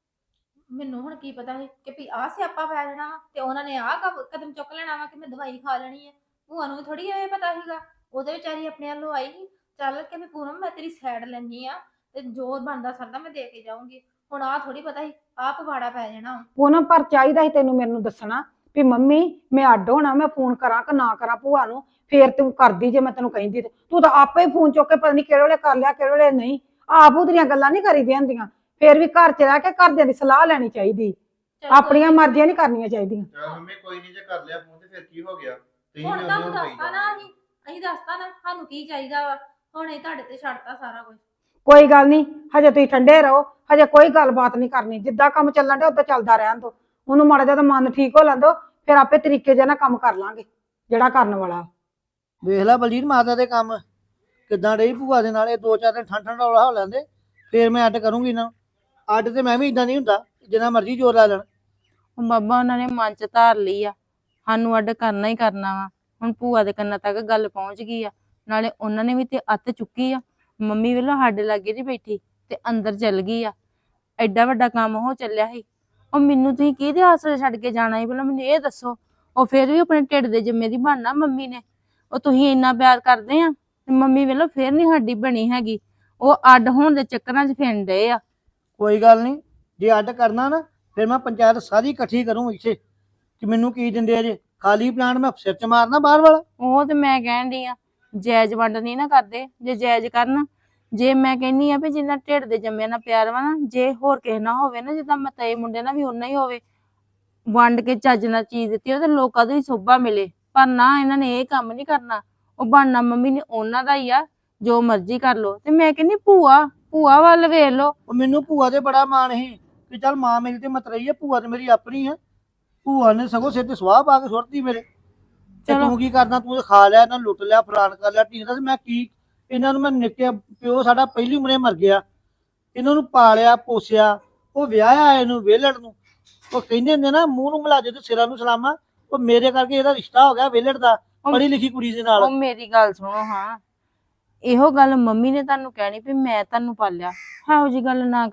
Speaker 4: ਮੈਨੂੰ ਹੁਣ ਕੀ ਪਤਾ ਸੀ ਕਿ ਵੀ ਆਹ ਸਿਆਪਾ ਪੈ ਜਾਣਾ ਵਾ ਤੇ ਉਹਨਾਂ ਨੇ ਆਹ ਕਦਮ ਚੁੱਕ ਲੈਣਾ ਵਾ ਕਿ ਮੈਂ ਦਵਾਈ ਖਾ ਲੈਣੀ ਆ। ਭੂਆ ਨੂੰ ਥੋੜੀ ਇਹ ਪਤਾ ਸੀਗਾ। ਉਹਦੇ ਵਿਚਾਰੀ ਆਪਣੇ ਵੱਲੋਂ ਆਈ ਸੀ, ਚੱਲ ਕੇ ਵੀ ਪੂਨਮ ਮੈਂ ਤੇਰੀ ਸਾਈਡ ਲੈਣੀ ਆ ਤੇ ਜੋ ਬਣਦਾ ਸਰਦਾ ਮੈਂ ਦੇ ਕੇ ਜਾਊਂਗੀ। ਹੁਣ ਆਹ ਥੋੜੀ ਪਤਾ ਸੀ ਆਹ ਪਵਾੜਾ ਪੈ ਜਾਣਾ।
Speaker 3: ਪੂਨਮ ਪਰ ਚਾਹੀਦਾ ਸੀ ਤੈਨੂੰ ਮੈਨੂੰ ਦੱਸਣਾ ਵੀ ਮੰਮੀ ਮੈਂ ਅੱਡ ਹੋਣਾ, ਮੈਂ ਫੋਨ ਕਰਾਂ ਕਿ ਨਾ ਕਰਾਂ ਭੂਆ ਨੂੰ। ਫੇਰ ਤੂੰ ਕਰਦੀ ਜੇ ਮੈਂ ਤੈਨੂੰ ਕਹਿੰਦੀ ਤੇ ਤੂੰ ਤਾਂ ਆਪੇ ਹੀ ਫੋਨ ਚੁੱਕ ਕੇ ਪਤਾ ਨਹੀਂ ਕਿਹੜੇ ਵੇਲੇ ਕਰ ਲਿਆ ਕਿਹੜੇ ਵੇਲੇ ਨਹੀਂ। ਆਪ ਉਹਦੀਆਂ ਗੱਲਾਂ ਨਹੀਂ ਕਰੀਦੀਆਂ ਹੁੰਦੀਆਂ। ਫੇਰ ਵੀ ਘਰ 'ਚ ਰਹਿ ਕੇ ਘਰਦਿਆਂ ਦੀ ਸਲਾਹ ਲੈਣੀ ਚਾਹੀਦੀ, ਆਪਣੀਆਂ ਮਰਜ਼ੀਆਂ ਨਹੀਂ ਕਰਨੀਆਂ ਚਾਹੀਦੀਆਂ।
Speaker 5: ਚਲ ਮੰਮੀ ਕੋਈ ਨਹੀਂ, ਜੇ ਕਰ ਲਿਆ ਫੋਨ ਤੇ ਫਿਰ ਕੀ ਹੋ ਗਿਆ? ਤੁਸੀਂ
Speaker 4: ਹੁਣ
Speaker 5: ਵੀ
Speaker 4: ਤੁਹਾਨੂੰ
Speaker 5: ਉਹਨੂੰ
Speaker 4: ਦੱਸਤਾ ਨਾ, ਅਸੀਂ ਦੱਸਤਾ ਨਾ ਸਾਨੂੰ ਕੀ ਚਾਹੀਦਾ ਵਾ। ਹੁਣ ਇਹ ਤੁਹਾਡੇ ਤੇ ਛੱਡਤਾ ਸਾਰਾ ਕੁਝ।
Speaker 3: ਕੋਈ ਗੱਲ ਨਹੀਂ, ਹਜੇ ਤੁਸੀਂ ਠੰਡੇ ਰਹੋ, ਹਜੇ ਕੋਈ ਗੱਲਬਾਤ ਨਹੀਂ ਕਰਨੀ। ਜਿੱਦਾਂ ਕੰਮ ਚੱਲਣ ਡਿਆ ਉਦਾਂ ਚੱਲਦਾ ਰਹਿਣ ਦੋ। ਉਹਨੂੰ ਮਾੜਾ ਜਿਹਾ ਮਨ ਠੀਕ ਹੋ ਲੈਂਦੋ, ਫਿਰ ਆਪੇ ਤਰੀਕੇ ਜਿਹਾ ਨਾਲ ਕੰਮ ਕਰ ਲਾਂਗੇ ਜਿਹੜਾ ਕਰਨ ਵਾਲਾ।
Speaker 1: ਵੇਖ ਲੈ ਬਲਜੀਤ ਮਾਤਾ ਦੇ ਕੰਮ ਕਿੱਦਾਂ ਰਹੀ ਭੂਆ ਦੇ ਨਾਲ। ਇਹ 2-4 ਦਿਨ ਠੰਡ ਠੰਡਾ ਹੋ ਲੈਂਦੇ ਫੇਰ ਮੈਂ ਅੱਡ ਕਰੂੰਗੀ ਇਹਨਾਂ ਨੂੰ। ਅੱਡ ਤੇ ਮੈਂ ਵੀ ਇਦਾਂ ਨਹੀਂ ਹੁੰਦਾ, ਜਿੰਨਾ ਮਰਜ਼ੀ ਜ਼ੋਰ ਲਾ ਲੈਣ।
Speaker 2: ਉਹ ਬਾਬਾ ਉਹਨਾਂ ਨੇ ਮਨ ਚ ਧਾਰ ਲਈ ਆ, ਸਾਨੂੰ ਅੱਡ ਕਰਨਾ ਹੀ ਕਰਨਾ ਵਾ। ਹੁਣ ਭੂਆ ਦੇ ਕੰਨਾਂ ਤੱਕ ਗੱਲ ਪਹੁੰਚ ਗਈ ਆ, ਨਾਲੇ ਉਹਨਾਂ ਨੇ ਵੀ ਤੇ ਅੱਤ ਚੁੱਕੀ ਆ। ਮੰਮੀ ਵੇਲੋਂ ਸਾਡੇ ਲਾਗੇ ਨਹੀਂ ਬੈਠੀ ਤੇ ਅੰਦਰ ਚਲ ਗਈ ਆ। ਐਡਾ ਵੱਡਾ ਕੰਮ ਹੋ ਚੱਲਿਆ ਸੀ। ਉਹ ਮੈਨੂੰ ਤੁਸੀਂ ਕਿਹਦੇ ਆਸਰੇ ਛੱਡ ਕੇ ਜਾਣਾ ਸੀ ਪਹਿਲਾਂ ਮੈਨੂੰ ਇਹ ਦੱਸੋ। ਉਹ ਫਿਰ ਵੀ ਆਪਣੇ ਢਿੱਡ ਦੇ ਜਿੰਮੇ ਦੀ ਬਣਨਾ ਮੰਮੀ ਨੇ। ਉਹ ਤੁਸੀਂ ਇੰਨਾ ਪਿਆਰ ਕਰਦੇ ਆ ਤੇ ਮੰਮੀ ਵੇਲੋਂ ਫਿਰ ਨਹੀਂ ਸਾਡੀ ਬਣੀ ਹੈਗੀ। ਉਹ ਅੱਡ ਹੋਣ ਦੇ ਚੱਕਰਾਂ 'ਚ ਫਿਰਨ ਡਏ ਆ।
Speaker 1: ਕੋਈ ਗੱਲ ਨਹੀਂ, ਜੇ ਅੱਡ ਕਰਨਾ ਨਾ ਫਿਰ ਮੈਂ ਪੰਚਾਇਤ ਸਾਰੀ ਇਕੱਠੀ ਕਰੂੰ ਇੱਥੇ ਕਿ ਮੈਨੂੰ ਕੀ ਦਿੰਦੇ ਆ। ਜੇ ਖਾਲੀ ਪਲਾਨ ਮੈਂ ਸਿਰ 'ਚ ਮਾਰਨਾ ਬਾਹਰ ਵਾਲਾ।
Speaker 2: ਉਹ ਤੇ ਮੈਂ ਕਹਿਣ ਡਈ ਆ ਜਾਇਜ਼ ਵੰਡ ਨਹੀਂ ਨਾ ਕਰਦੇ। ਜੇ ਜਾਇਜ਼ ਕਰਨ, ਜੇ ਮੈਂ ਕਹਿੰਨੀ ਆ ਵੀ ਜਿੰਨਾ ਢਿੱਡ ਦੇ ਜੰਮਿਆਂ ਨਾਲ ਪਿਆਰ ਵਾ ਨਾ, ਜੇ ਹੋਰ ਕਿਸੇ ਨਾਲ ਹੋਵੇ ਨਾ, ਜਿੱਦਾਂ ਮਤਏ ਮੁੰਡੇ ਨਾਲ ਵੀ ਓਨਾ ਹੀ ਹੋਵੇ, ਵੰਡ ਕੇ ਚੱਜ ਨਾਲ ਚੀਜ਼ ਦਿੱਤੀ ਉਹ ਤੇ ਲੋਕਾਂ ਦੀ ਸੋਭਾ ਮਿਲੇ। ਪਰ ਨਾ, ਇਹਨਾਂ ਨੇ ਇਹ ਕੰਮ ਨਹੀਂ ਕਰਨਾ। ਉਹ ਬਣਨਾ ਮੰਮੀ ਨੇ ਉਹਨਾਂ ਦਾ ਹੀ ਆ, ਜੋ ਮਰਜ਼ੀ ਕਰ ਲੋ। ਤੇ ਮੈਂ ਕਹਿੰਨੀ ਭੂਆ ਵੱਲ ਵੇਖ ਲੋ।
Speaker 1: ਉਹ ਮੈਨੂੰ ਭੂਆ ਤੇ ਬੜਾ ਮਾਣ ਸੀ ਕਿ ਚੱਲ ਮਾਂ ਮੇਰੀ ਤੇ ਮਤਰਈ ਆ, ਭੂਆ ਤੇ ਮੇਰੀ ਆਪਣੀ ਆ। ਭੂਆ ਨੇ ਸਗੋਂ ਸਿਰ ਤੇ ਸਵਾਹ ਪਾ ਕੇ ਸੁੱਟਦੀ ਮੇਰੇ। ਤੇ ਤੂੰ ਕੀ ਕਰਦਾ? ਤੂੰ ਖਾ ਲਿਆ, ਇਹਨਾਂ ਲੁੱਟ ਲਿਆ, ਫਲਾਣ ਕਰ ਲਿਆ, ਢੀਂਦਾ। ਤੇ ਮੈਂ ਕੀ ਇਹਨਾਂ ਨੂੰ, ਮੈਂ ਨਿੱਕਿਆ ਪਿਓ ਸਾਡਾ ਪਹਿਲੀ ਉਮਰੇ ਮਰ ਗਿਆ, ਇਹਨਾਂ ਨੂੰ ਪਾਲਿਆ ਪੋਸਿਆ। ਉਹ ਵਿਆਹਿਆ ਇਹਨੂੰ ਵਿਹਲੜ ਨੂੰ। ਉਹ ਕਹਿੰਦੇ ਹੁੰਦੇ ਨਾ, ਮੂੰਹ ਨੂੰ ਮਿਲਾ ਦੇ ਤੇ ਸਿਰਾਂ ਨੂੰ ਸਲਾਮਾ। ਉਹ ਮੇਰੇ ਕਰਕੇ ਇਹਦਾ ਰਿਸ਼ਤਾ ਹੋ ਗਿਆ ਵਿਹਲੜ ਦਾ, ਪੜ੍ਹੀ ਲਿਖੀ ਕੁੜੀ ਦੇ ਨਾਲ।
Speaker 2: ਉਹ ਮੇਰੀ ਗੱਲ ਸੁਣੋ ਹਾਂ, ਇਹੋ ਗੱਲ ਮੰਮੀ ਨੇ ਤੁਹਾਨੂੰ ਕਹਿਣੀ ਵੀ ਮੈਂ ਤੁਹਾਨੂੰ ਪਾਲਿਆ। ਇਹੋ ਜੀ ਗੱਲ ਨਾ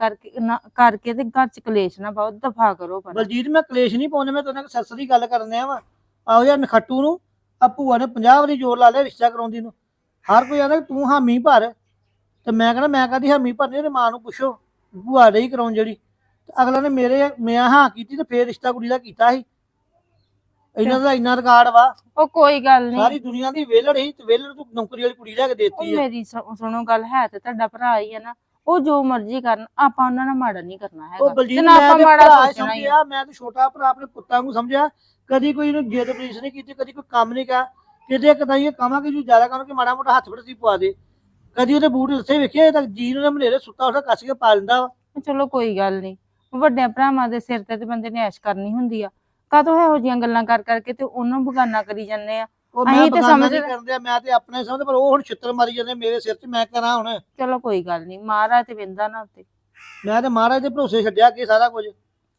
Speaker 2: ਕਰਕੇ ਤੇ ਘਰ ਚ ਕਲੇਸ਼ ਨਾ ਪਾਓ, ਦਫਾ ਕਰੋ। ਪਰ
Speaker 1: ਬਲਜੀਤ ਮੈਂ ਕਲੇਸ਼ ਨਹੀਂ ਪਾਉਂਦੇ, ਮੈਂ ਤੇਰੇ ਨਾਲ ਸੱਸ ਦੀ ਗੱਲ ਕਰਨ ਆ ਵਾ। ਆਹੋ ਯਾਰ ਨਖੱਟੂ ਨੂੰ ਆ ਭੂਆ ਨੇ 50 ਵਾਰੀ ਜ਼ੋਰ ਲਾ ਲਿਆ ਰਿਸ਼ਤਾ ਕਰਾਉਂਦੀ ਨੂੰ। ਹਰ ਕੋਈ ਆਂਦਾ ਤੂੰ ਹਾਮੀ ਭਰ, ਤੇ ਮੈਂ ਕਹਿੰਦਾ ਮੈਂ ਕਦੀ ਹਾਮੀ ਭਰਨੀ। ਉਹਦੇ ਮਾਂ ਨੂੰ ਪੁੱਛੋ, ਭੂਆ ਰਹੀ ਕਰਾਉਣ ਜਿਹੜੀ। ਅਗਲਾ ਨੇ ਮੈਂ ਹਾਂ ਕੀਤੀ ਤੇ ਫੇਰ ਰਿਸ਼ਤਾ ਕੁੜੀ ਦਾ ਕੀਤਾ ਸੀ। ਇਹਨਾਂ ਦਾ ਇੰਨਾ ਰਿਕਾਰਡ ਵਾ।
Speaker 2: ਉਹ ਕੋਈ ਗੱਲ ਨਹੀਂ,
Speaker 1: ਸਾਰੀ ਦੁਨੀਆ ਦੀ ਵਿਹਲੜ ਸੀ ਤੇ ਵਿਹਲੜ ਤੂੰ ਨੌਕਰੀ ਵਾਲੀ ਕੁੜੀ ਲੈ ਕੇ ਦੇਤੀ ਹੈ।
Speaker 2: ਮੇਰੀ ਸੁਣੋ ਗੱਲ, ਹੈ ਤੇ ਤੁਹਾਡਾ ਭਰਾ ਹੀ ਆ ਨਾ। ਉਹ ਜੋ ਮਰਜ਼ੀ ਕਰਨ, ਆਪਾਂ ਉਹਨਾਂ ਨਾਲ ਮਾੜਾ ਨਹੀਂ ਕਰਨਾ
Speaker 1: ਉਹ
Speaker 2: ਹੈਗਾ।
Speaker 1: ਬਲਜੀਤ
Speaker 2: ਤੇ ਨਾ
Speaker 1: ਮੈਂ
Speaker 2: ਆਪਾਂ
Speaker 1: ਤੇ
Speaker 2: ਮਾੜਾ
Speaker 1: ਭਰਾ
Speaker 2: ਸੋਚਣਾ ਹੀ ਆ।
Speaker 1: ਸਮਝਿਆ, ਮੈਂ ਤੇ ਛੋਟਾ ਭਰਾ ਆਪਣੇ ਪੁੱਤਾਂ ਨੂੰ ਸਮਝਿਆ। ਕਦੀ ਕੋਈ ਇਹਨੂੰ ਜਿੱਦ ਪੁਲਿਸ ਨਹੀਂ ਕੀਤੀ, ਕਦੀ ਕੋਈ ਕੰਮ ਨਹੀਂ ਕਿਹਾ। ਕਿਤੇ ਕਦਾਈ ਇਹ ਕਹਾਂਗੇ ਜੀ ਜ਼ਿਆਦਾ ਕੰਮ ਕਿ ਮਾੜਾ ਮੋਟਾ ਹੱਥ ਫੜਤੀ ਪਵਾ ਦੇ। ਕਦੀ ਉਹਦੇ ਬੂਟ ਲੱਥੇ ਵੇਖਿਆ? ਇਹ ਤਾਂ ਜੀ ਨੂੰ ਮਨੇਰੇ ਸੁੱਤਾ ਉੱਠਾ ਕੱਸ ਕੇ ਪਾ ਲੈਂਦਾ ਵਾ।
Speaker 2: ਚਲੋ ਕੋਈ ਗੱਲ ਨਹੀਂ, ਵੱਡਿਆਂ ਭਰਾਵਾਂ ਦੇ ਸਿਰ ਤੇ ਬੰਦੇ ਨੇ ਐਸ਼ ਕਰਨੀ ਹੁੰਦੀ ਆ। ਕਾਹਤੋਂ ਇਹੋ ਜਿਹੀਆਂ ਗੱਲਾਂ ਕਰ ਕਰਕੇ ਤੇ ਉਹਨੂੰ ਬਗਾਨਾ ਕਰੀ ਜਾਂਦੇ ਆ।
Speaker 1: ਉਹ ਮੈਂ
Speaker 2: ਅਸੀਂ ਤੇ
Speaker 1: ਬਗਾਨਾ
Speaker 2: ਸਮਝ
Speaker 1: ਨਹੀਂ ਕਰਦੇ, ਮੈਂ ਤੇ ਆਪਣੇ ਸਮਝਦੇ, ਪਰ ਉਹ ਹੁਣ ਛਿੱਤਰ ਮਾਰੀ ਜਾਂਦੇ ਮੇਰੇ ਸਿਰ 'ਚ। ਮੈਂ ਕਰਾਂ ਹੁਣ?
Speaker 2: ਚਲੋ ਕੋਈ ਗੱਲ ਨਹੀਂ, ਮਹਾਰਾਜ ਤੇ ਵਿੰਦਾ ਨਾ ਉੱਤੇ।
Speaker 1: ਮੈਂ ਤੇ ਮਹਾਰਾਜ ਦੇ ਭਰੋਸੇ ਛੱਡਿਆ ਕਿ ਸਾਰਾ ਕੁਝ।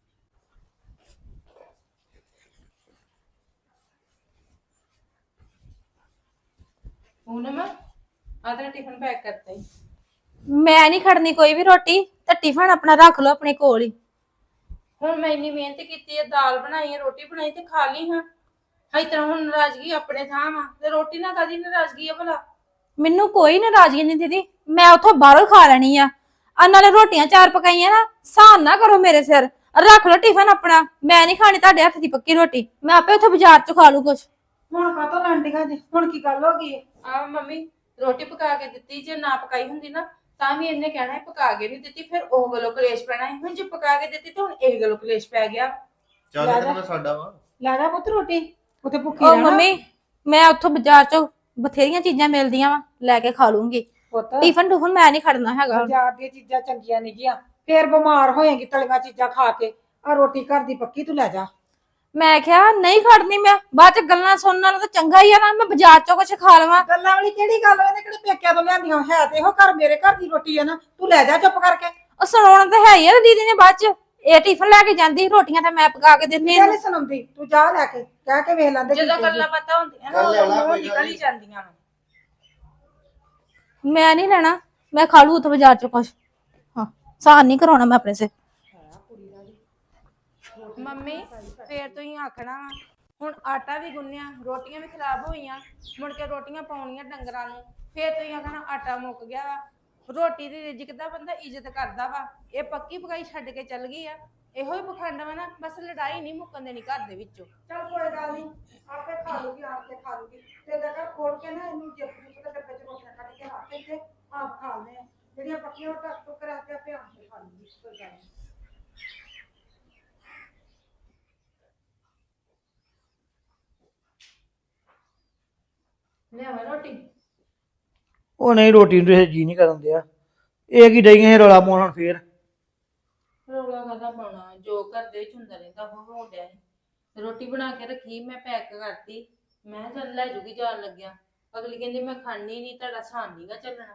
Speaker 2: ਪੂਨਮ ਆਦਰਾ ਟਿਫਨ ਪੈਕ ਕਰਤਾ ਹੀ।
Speaker 4: ਮੈਂ ਨਹੀਂ ਖੜਨੀ ਕੋਈ ਵੀ ਰੋਟੀ, ਤੇ ਟਿਫਨ ਆਪਣਾ ਰੱਖ ਲਓ ਆਪਣੇ ਕੋਲ ਹੀ।
Speaker 2: ਹੁਣ ਮੈਂ ਇੰਨੀ ਮਿਹਨਤ ਕੀਤੀ ਹੈ, ਦਾਲ ਬਣਾਈ ਹੈ, ਰੋਟੀ ਬਣਾਈ ਤੇ ਖਾ ਲਈ ਹਾਂ। ਇਸ ਤਰ੍ਹਾਂ ਹੁਣ ਨਾਰਾਜ਼ਗੀ ਆਪਣੇ ਥਾਂ ਵਾ ਤੇ ਰੋਟੀ ਨਾਲ ਕਾਦੀ ਨਾਰਾਜ਼ਗੀ ਆ ਭਲਾ?
Speaker 4: ਮੈਨੂੰ ਕੋਈ ਨਾਰਾਜ਼ਗੀ ਨਹੀਂ ਦੀਦੀ, ਮੈਂ ਉੱਥੋਂ ਬਾਹਰੋਂ ਖਾ ਲੈਣੀ ਆ। ਨਾਲੇ ਰੋਟੀਆਂ 4 ਪਕਾਈਆਂ ਨਾ, ਸਾਨ ਨਾ ਕਰੋ ਮੇਰੇ ਸਿਰ। ਰੱਖ ਲਓ ਟਿਫਨ ਆਪਣਾ, ਮੈਂ ਨਹੀਂ ਖਾਣੀ ਤੁਹਾਡੇ ਹੱਥ ਦੀ ਪੱਕੀ ਰੋਟੀ। ਮੈਂ ਆਪੇ ਉੱਥੇ ਬਾਜ਼ਾਰ 'ਚ ਖਾ ਲੂ ਕੁਛ।
Speaker 3: ਹੁਣ ਕਾਹਤੋਂ ਲੰਡੀਆਂ ਜੀ? ਹੁਣ ਕੀ ਗੱਲ ਹੋ ਗਈ?
Speaker 2: ਆ ਮੰਮੀ ਰੋਟੀ ਪਕਾ ਕੇ ਦਿੱਤੀ, ਜੇ ਨਾ ਪਕਾਈ ਹੁੰਦੀ ਨਾ ਤਾਂ ਵੀ ਇਹਨੇ ਕਹਿਣਾ ਪਕਾ ਕੇ ਨਹੀਂ ਦਿੱਤੀ, ਫਿਰ ਉਹ ਗੱਲੋਂ ਕਲੇਸ਼ ਪੈਣਾ ਹੈ। ਹੁਣ ਜੇ ਪਕਾ ਕੇ ਦਿੱਤੀ ਤੇ ਹੁਣ ਇਹ ਗੱਲੋਂ ਕਲੇਸ਼ ਪੈ ਗਿਆ।
Speaker 5: ਚੱਲ ਤੇ ਮੈਂ ਸਾਡਾ ਵਾ।
Speaker 3: ਲੈ ਜਾ ਪੁੱਤ ਰੋਟੀ, ਉੱਥੇ ਭੁੱਖੀ
Speaker 4: ਉਹ
Speaker 3: ਰਹਿਣਾ।
Speaker 4: ਮੰਮੀ ਮੈਂ ਉੱਥੋਂ ਬਾਜ਼ਾਰ 'ਚੋਂ ਬਥੇਰੀਆਂ ਚੀਜ਼ਾਂ ਮਿਲਦੀਆਂ ਵਾ, ਲੈ ਕੇ ਖਾ ਲੂੰਗੀ।
Speaker 3: ਪੁੱਤ
Speaker 4: ਟਿਫਨ ਟੂਫਨ ਮੈਂ ਨਹੀਂ ਖੜਨਾ ਹੈਗਾ।
Speaker 3: ਬਾਜ਼ਾਰ ਦੀਆਂ ਚੀਜ਼ਾਂ ਚੰਗੀਆਂ ਨਹੀਂ ਗੀਆਂ, ਫੇਰ ਬਿਮਾਰ ਹੋਏਗੀ ਤਲੀਆਂ ਚੀਜ਼ਾਂ ਖਾ ਕੇ। ਆ ਰੋਟੀ ਘਰ ਦੀ ਪੱਕੀ ਤੂੰ ਲੈ ਜਾ।
Speaker 4: ਮੈਂ ਕਿਹਾ ਨਹੀਂ ਖੜਨੀ, ਮੈਂ ਬਾਅਦ 'ਚ ਗੱਲਾਂ ਸੁਣਨ ਨਾਲੋਂ ਤਾਂ ਚੰਗਾ ਹੀ ਆ ਨਾ ਮੈਂ ਬਾਜ਼ਾਰ 'ਚੋਂ ਕੁਛ ਖਾ ਲਵਾਂ।
Speaker 3: ਗੱਲਾਂ ਵਾਲੀ ਕਿਹੜੀ ਗੱਲ? ਇਹਨੇ ਕਿਹੜੇ ਪੇਕਿਆਂ ਤੋਂ ਲਿਆਂਦੀਆਂ? ਹੈ ਤੇ ਇਹੋ ਘਰ, ਮੇਰੇ ਘਰ ਦੀ ਰੋਟੀ ਆ ਨਾ। ਤੂੰ ਲੈ ਜਾ ਚੁੱਪ ਕਰਕੇ।
Speaker 4: ਉਹ ਸੁਣਾਉਣਾ ਤਾਂ ਹੈ ਹੀ ਆ ਦੀਦੀ ਨੇ ਬਾਅਦ 'ਚ। ਇਹ ਟਿਫਨ ਲੈ ਕੇ ਜਾਂਦੀ ਰੋਟੀਆਂ ਤਾਂ ਮੈਂ ਪਕਾ ਕੇ ਦਿੰਦੀ
Speaker 3: ਨਹੀਂ ਸੁਣਾਉਂਦੀ ਤੂੰ ਜਾ ਲੈ ਕੇ ਕਹਿ ਕੇ ਵੇਖ ਲੈਂਦੇ
Speaker 2: ਜਦੋਂ ਗੱਲਾਂ ਬਾਤਾਂ ਹੁੰਦੀਆਂ ਨਾ
Speaker 5: ਚੱਲ ਲਿਆਉਣਾ,
Speaker 2: ਉਦੋਂ
Speaker 5: ਕੋਈ ਗੱਲ
Speaker 2: ਨਿਕਲ ਹੀ
Speaker 5: ਨੀ।
Speaker 2: ਜਾਂਦੀਆਂ ਵਾ।
Speaker 4: ਮੈਂ ਨਹੀਂ ਲੈਣਾ ਮੈਂ ਖਾ ਲੂ ਉੱਥੇ ਬਾਜ਼ਾਰ ਚ ਕੁਛ ਹਾਂ ਸਾਨ ਨਹੀਂ ਕਰਾਉਣਾ ਮੈਂ ਆਪਣੇ ਸੇ
Speaker 2: ਮੰਮੀ ਫੇਰ ਤੁਸੀਂ ਆਖਣਾ ਵਾ, ਹੁਣ ਆਟਾ ਵੀ ਗੁੰਨਿਆ ਰੋਟੀਆਂ ਵੀ ਖਰਾਬ ਹੋਈਆਂ ਮੁੜ ਕੇ ਰੋਟੀਆਂ ਪਾਉਣੀਆਂ ਡੰਗਰਾਂ ਨੂੰ ਫੇਰ ਤੁਸੀਂ ਆਖਣਾ ਆਟਾ ਮੁੱਕ ਗਿਆ ਵਾ। ਰੋਟੀ ਦੀ ਰਿਜ਼ਕ ਦਾ ਬੰਦਾ ਇੱਜ਼ਤ ਕਰਦਾ ਵਾ, ਇਹ ਪੱਕੀ ਪਕਾਈ ਛੱਡ ਕੇ ਚੱਲ ਗਈ ਆ। ਇਹੋ ਹੀ ਪਖੰਡ ਵਾ ਨਾ, ਬਸ ਲੜਾਈ ਨਹੀਂ ਮੁੱਕਣ ਦੇਣੀ ਘਰ ਦੇ ਵਿੱਚੋਂ।
Speaker 3: ਚੱਲ ਕੋਈ ਗੱਲ ਨਹੀਂ ਆਪੇ ਖਾ ਲੂਗੀ ਆਪ ਤੇ ਖਾ ਲੂਗੀ ਤੇ ਦੇਖਾ ਖੋਲ ਕੇ ਨਾ ਇਹਨੂੰ ਜਿੱਪ ਦੇ ਡੱਬੇ ਚ ਰੋਟੀਆਂ ਕੱਢ ਕੇ ਰੱਖ ਕੇ ਆਪ ਖਾ ਲੈ ਜਿਹੜੀਆਂ ਪੱਕੀਆਂ ਉਹ ਟੱਕ ਟੁੱਕ ਰੱਖ ਕੇ ਆਪੇ ਆਪ ਤੇ ਖਾ ਲੂਗੀ ਕੋਈ ਗੱਲ ਨੀ।
Speaker 2: ਲਿਆਵਾਂ ਰੋਟੀ?
Speaker 1: ਉਹ ਨਹੀਂ, ਰੋਟੀ ਨੂੰ ਤੇ ਜੀ ਨਹੀਂ ਕਰਨ ਦਿਆ। ਇਹ ਕੀ ਡਈਆਂ ਇਹ ਰੌਲਾ ਪਾਉਣ ਹੁਣ ਫੇਰ?
Speaker 2: ਰੌਲਾ ਕਾਹਦਾ ਪਾਉਣਾ, ਜੋ ਘਰ ਦੇ ਵਿੱਚ ਹੁੰਦਾ ਰਹਿੰਦਾ ਉਹ ਹੋਣ ਡਿਆ ਸੀ। ਰੋਟੀ ਬਣਾ ਕੇ ਰੱਖੀ, ਮੈਂ ਪੈਕ ਕਰਤੀ, ਮੈਂ ਕਿਹਾ ਚੱਲ ਲੈ ਜੂਗੀ ਜਾਣ ਲੱਗਿਆ। ਅਗਲੀ ਕਹਿੰਦੀ ਮੈਂ ਖਾਣੀ ਨਹੀਂ, ਤੁਹਾਡਾ ਸਾਨ ਨੀਗਾ ਚੱਲਣਾ।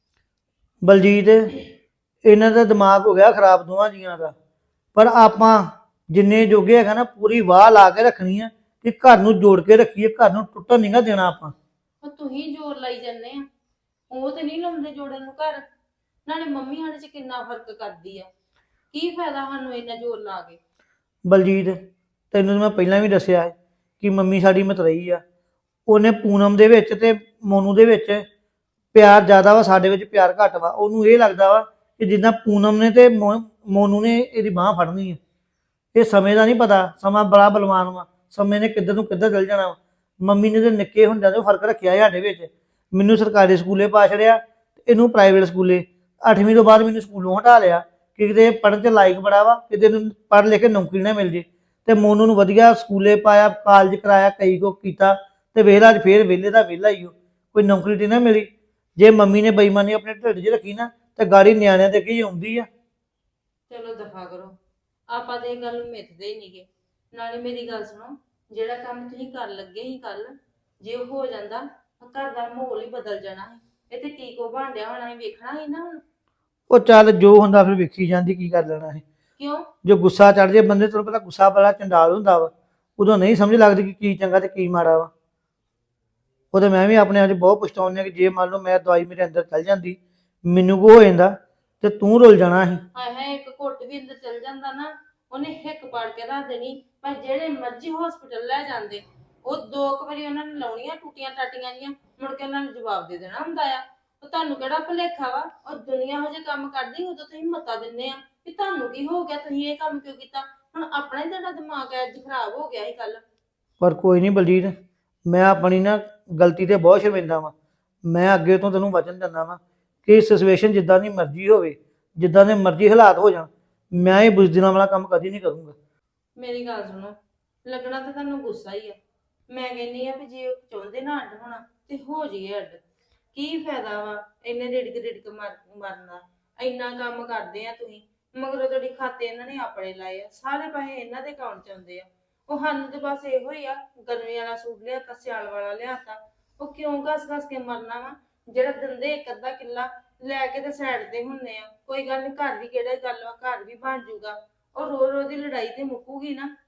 Speaker 1: ਬਲਜੀਤ, ਇਹਨਾਂ ਦਾ ਦਿਮਾਗ ਹੋ ਗਿਆ ਖਰਾਬ ਦੋਵਾਂ ਜੀਆਂ ਦਾ। ਪਰ ਆਪਾਂ ਜਿੰਨੇ ਜੋਗੇ ਹੈਗਾ ਨਾ ਪੂਰੀ ਵਾਹ ਲਾ ਕੇ ਰੱਖਣੀ ਆ ਕਿ ਘਰ ਨੂੰ ਜੋੜ ਕੇ ਰੱਖੀਏ, ਘਰ ਨੂੰ ਟੁੱਟਣ ਨਹੀਂਗਾ ਦੇਣਾ ਆਪਾਂ।
Speaker 2: ਉਹ ਤੁਸੀਂ ਜ਼ੋਰ ਲਾਈ ਜਾਂਦੇ ਆ, ਉਹ ਤੇ ਨਹੀਂ ਲਾਉਂਦੇ ਜੋੜਨ ਨੂੰ ਘਰ। ਨਾਲੇ ਮੰਮੀ ਸਾਡੇ ਚ ਕਿੰਨਾ ਫਰਕ ਕਰਦੀ ਆ, ਕੀ ਫਾਇਦਾ ਸਾਨੂੰ ਇੰਨਾ ਜ਼ੋਰ ਲਾ ਕੇ।
Speaker 1: ਬਲਜੀਤ, ਤੈਨੂੰ ਤਾਂ ਮੈਂ ਪਹਿਲਾਂ ਵੀ ਦੱਸਿਆ ਹੈ ਕਿ ਮੰਮੀ ਸਾਡੀ ਮਤਰਈ ਆ। ਉਹਨੇ ਪੂਨਮ ਦੇ ਵਿੱਚ ਤੇ ਮੋਨੂ ਦੇ ਵਿੱਚ ਪਿਆਰ ਜ਼ਿਆਦਾ ਵਾ, ਸਾਡੇ ਵਿੱਚ ਪਿਆਰ ਘੱਟ ਵਾ। ਉਹਨੂੰ ਇਹ ਲੱਗਦਾ ਵਾ ਕਿ ਜਿੱਦਾਂ ਪੂਨਮ ਨੇ ਤੇ ਮੋਨੂ ਨੇ ਇਹਦੀ ਬਾਂਹ ਫੜਨੀ ਹੈ। ਇਹ ਸਮੇਂ ਦਾ ਨਹੀਂ ਪਤਾ, ਸਮਾਂ ਬੜਾ ਬਲਵਾਨ ਵਾ, ਸਮੇਂ ਨੇ ਕਿੱਧਰ ਨੂੰ ਕਿੱਧਰ ਚੱਲ ਜਾਣਾ ਵਾ। ਮੰਮੀ ਨੇ ਤੇ ਨਿੱਕੇ ਹੁੰਦਿਆਂ ਤੋਂ ਫਰਕ ਰੱਖਿਆ ਸਾਡੇ ਵਿੱਚ। ਮੈਨੂੰ ਸਰਕਾਰੀ ਸਕੂਲੇ ਪਾ ਛੜਿਆ, ਇਹਨੂੰ ਪ੍ਰਾਈਵੇਟ ਸਕੂਲੇ। 8ਵੀਂ ਤੋਂ ਬਾਅਦ ਮੈਨੂੰ ਸਕੂਲੋਂ ਹਟਾ ਲਿਆ ਕਿ ਕਿਤੇ ਪੜ੍ਹਨ 'ਚ ਲਾਇਕ ਬੜਾ ਵਾ, ਕਿਤੇ ਨੂੰ ਪੜ੍ਹ ਲਿਖ ਕੇ ਨੌਕਰੀ ਨਾ ਮਿਲ ਜੇ। ਤੇ ਮੋਨੂ ਨੂੰ ਵਧੀਆ ਸਕੂਲੇ ਪਾਇਆ, ਕਾਲਜ ਕਰਾਇਆ, ਕਈ ਕੁ ਕੀਤਾ, ਤੇ ਵੇਲਾ ਅੱਜ ਫੇਰ ਵਿਹਲੇ ਦਾ ਵਿਹਲਾ ਹੀ ਉਹ, ਕੋਈ ਨੌਕਰੀ ਤੇ ਨਾ ਮਿਲੀ। ਜੇ ਮੰਮੀ ਨੇ ਬੇਈਮਾਨੀ ਆਪਣੇ ਢਿੱਡ 'ਚ ਰੱਖੀ ਨਾ ਤੇ ਗਾੜੀ ਨਿਆਣਿਆਂ ਦੇ ਅੱਗੇ ਹੀ ਆਉਂਦੀ ਆ।
Speaker 2: ਚਲੋ ਦਫਾ ਕਰੋ, ਆਪਾਂ ਤੇ ਇਹ ਗੱਲ ਨੂੰ ਮਿੱਥਦੇ ਹੀ ਨਹੀਂਗੇ। ਨਾਲੇ ਮੇਰੀ ਗੱਲ ਸੁਣੋ, ਜਿਹੜਾ ਕੰਮ ਤੁਸੀਂ ਕਰ ਲੱਗੇ ਸੀ ਕੱਲ, ਜੇ ਉਹ ਹੋ ਜਾਂਦਾ ਤਾਂ ਘਰ ਦਾ ਮਾਹੌਲ ਹੀ ਬਦਲ ਜਾਣਾ ਸੀ। ਇਹ ਤੇ ਕੀ ਕੋ ਭਾਂਡਿਆ ਹੋਣਾ ਸੀ, ਵੇਖਣਾ ਸੀ ਨਾ ਹੁਣ।
Speaker 1: ਉਹ ਚੱਲ ਜੋ ਹੁੰਦਾ ਫਿਰ ਵੇਖੀ ਜਾਂਦੀ, ਕੀ ਕਰ ਲੈਣਾ ਹੈ।
Speaker 2: ਕਿਉਂ?
Speaker 1: ਜੋ ਗੁੱਸਾ ਚੜ ਜੇ ਬੰਦੇ, ਤੈਨੂੰ ਪਤਾ ਗੁੱਸਾ ਬੜਾ ਚੰਡਾਲ ਹੁੰਦਾ ਵਾ, ਉਦੋਂ ਨਹੀਂ ਸਮਝ ਲੱਗਦੀ ਕਿ ਕੀ ਚੰਗਾ ਤੇ ਕੀ ਮਾੜਾ ਵਾ। ਉਹਦੇ ਮੈਂ ਵੀ ਆਪਣੇ ਆਪ 'ਚ ਬਹੁਤ ਪਛਤਾਉਂਦਾ ਕਿ ਜੇ ਮੰਨ ਲਓ ਮੈਂ ਦਵਾਈ ਮੇਰੇ ਅੰਦਰ ਚੱਲ ਜਾਂਦੀ, ਮੈਨੂੰ ਕੋ ਹੋ ਜਾਂਦਾ ਤੇ ਤੂੰ ਰੁੱਲ ਜਾਣਾ ਸੀ।
Speaker 2: ਹਾਏ ਹਾਏ, ਇੱਕ ਘੁੱਟ ਵੀ ਅੰਦਰ ਚਲ ਜਾਂਦਾ ਨਾ, ਉਹਨੇ ਹਿੱਕ ਪਾੜ ਕੇ ਰੱਖ ਦੇਣੀ। ਪਰ ਜਿਹੜੇ ਮਰਜ਼ੀ ਹਸਪੀਟਲ ਲੈ ਜਾਂਦੇ, ਉਹ 2 ਵਾਰੀ ਉਹਨਾਂ ਨੇ ਲਾਉਣੀਆਂ ਟੂਟੀਆਂ ਟਾਟੀਆਂ ਜੀਆਂ, ਮੁੜ ਕੇ ਉਹਨਾਂ ਨੂੰ ਜਵਾਬ ਦੇ ਦੇਣਾ ਹੁੰਦਾ ਆ। ਉਹ ਤੁਹਾਨੂੰ ਕਿਹੜਾ ਭੁਲੇਖਾ ਵਾ, ਉਹ ਦੁਨੀਆ ਹੋ ਜੇ ਕੰਮ ਕਰਦੀ, ਉਦੋਂ ਤੁਸੀਂ ਮਤਾ ਦਿੰਦੇ ਆ ਵੀ ਤੁਹਾਨੂੰ ਕੀ ਹੋ ਗਿਆ, ਤੁਸੀਂ ਇਹ ਕੰਮ ਕਿਉਂ ਕੀਤਾ। ਹੁਣ ਆਪਣਾ ਹੀ ਤੁਹਾਡਾ ਦਿਮਾਗ ਅੱਜ ਖਰਾਬ ਹੋ ਗਿਆ ਸੀ ਕੱਲ।
Speaker 1: ਪਰ ਕੋਈ ਨਹੀਂ ਬਲਜੀਤ, ਮੈਂ ਆਪਣੀ ਨਾ ਗਲਤੀ ਤੇ ਬਹੁਤ ਸ਼ਰਮਿੰਦਾ ਵਾਂ। ਮੈਂ ਅੱਗੇ ਤੋਂ ਤੈਨੂੰ ਵਚਨ ਦਿੰਦਾ ਵਾਂ ਕਿ ਸਿਚੁਏਸ਼ਨ ਜਿੱਦਾਂ ਦੀ ਮਰਜ਼ੀ ਹੋਵੇ, ਜਿੱਦਾਂ ਦੇ ਮਰਜ਼ੀ ਹਾਲਾਤ ਹੋ ਜਾਣ, ਮੈਂ ਇਹ ਬੁਜ਼ਦਿਲਾਂ ਵਾਲਾ ਕੰਮ ਕਦੀ ਨਹੀਂ ਕਰੂੰਗਾ।
Speaker 2: ਮੇਰੀ ਗੱਲ ਸੁਣੋ, ਲੱਗਣਾ ਤਾਂ ਤੁਹਾਨੂੰ ਗੁੱਸਾ ਹੀ ਆ। ਮੈਂ ਕਹਿੰਨੀ ਆ ਵੀ ਜੇ ਉਹ ਚਾਹੁੰਦੇ ਨਾ ਅੱਡ ਹੋਣਾ ਤੇ ਹੋ ਜਾਈਏ ਅੱਡ। ਕੀ ਫਾਇਦਾ ਵਾ ਇੰਨੇ ਰਿੜਕ ਮਰਨਾ। ਇੰਨਾ ਕੰਮ ਕਰਦੇ ਆ ਤੁਸੀਂ, ਮਗਰੋਂ ਤੁਹਾਡੀ ਖਾਤੇ ਇਹਨਾਂ ਨੇ ਆਪਣੇ ਲਾਏ ਆ, ਸਾਰੇ ਪੈਸੇ ਇਹਨਾਂ ਦੇ ਅਕਾਊਂਟ 'ਚ ਆਉਂਦੇ ਆ। ਉਹ ਸਾਨੂੰ ਤੇ ਬਸ ਇਹੋ ਹੀ ਆ, ਗਰਮੀ ਵਾਲਾ ਸੂਟ ਲਿਆਤਾ, ਸਿਆਲ ਵਾਲਾ ਲਿਆਤਾ। ਉਹ ਕਿਉਂ ਘਸ ਕੇ ਮਰਨਾ ਵਾ? ਜਿਹੜਾ ਦਿੰਦੇ ਇੱਕ ਅੱਧਾ ਕਿੱਲਾ ਲੈ ਕੇ ਤੇ ਸਾਈਡ ਤੇ ਹੁੰਨੇ ਆ, ਕੋਈ ਗੱਲ ਨਹੀਂ, ਘਰ ਵੀ ਕਿਹੜਾ ਗੱਲ ਵਾ, ਘਰ ਵੀ ਬਣ ਜੂਗਾ। ਉਹ ਰੋ ਰੋ ਦੀ ਲੜਾਈ ਤੇ ਮੁੱਕੂਗੀ ਨਾ,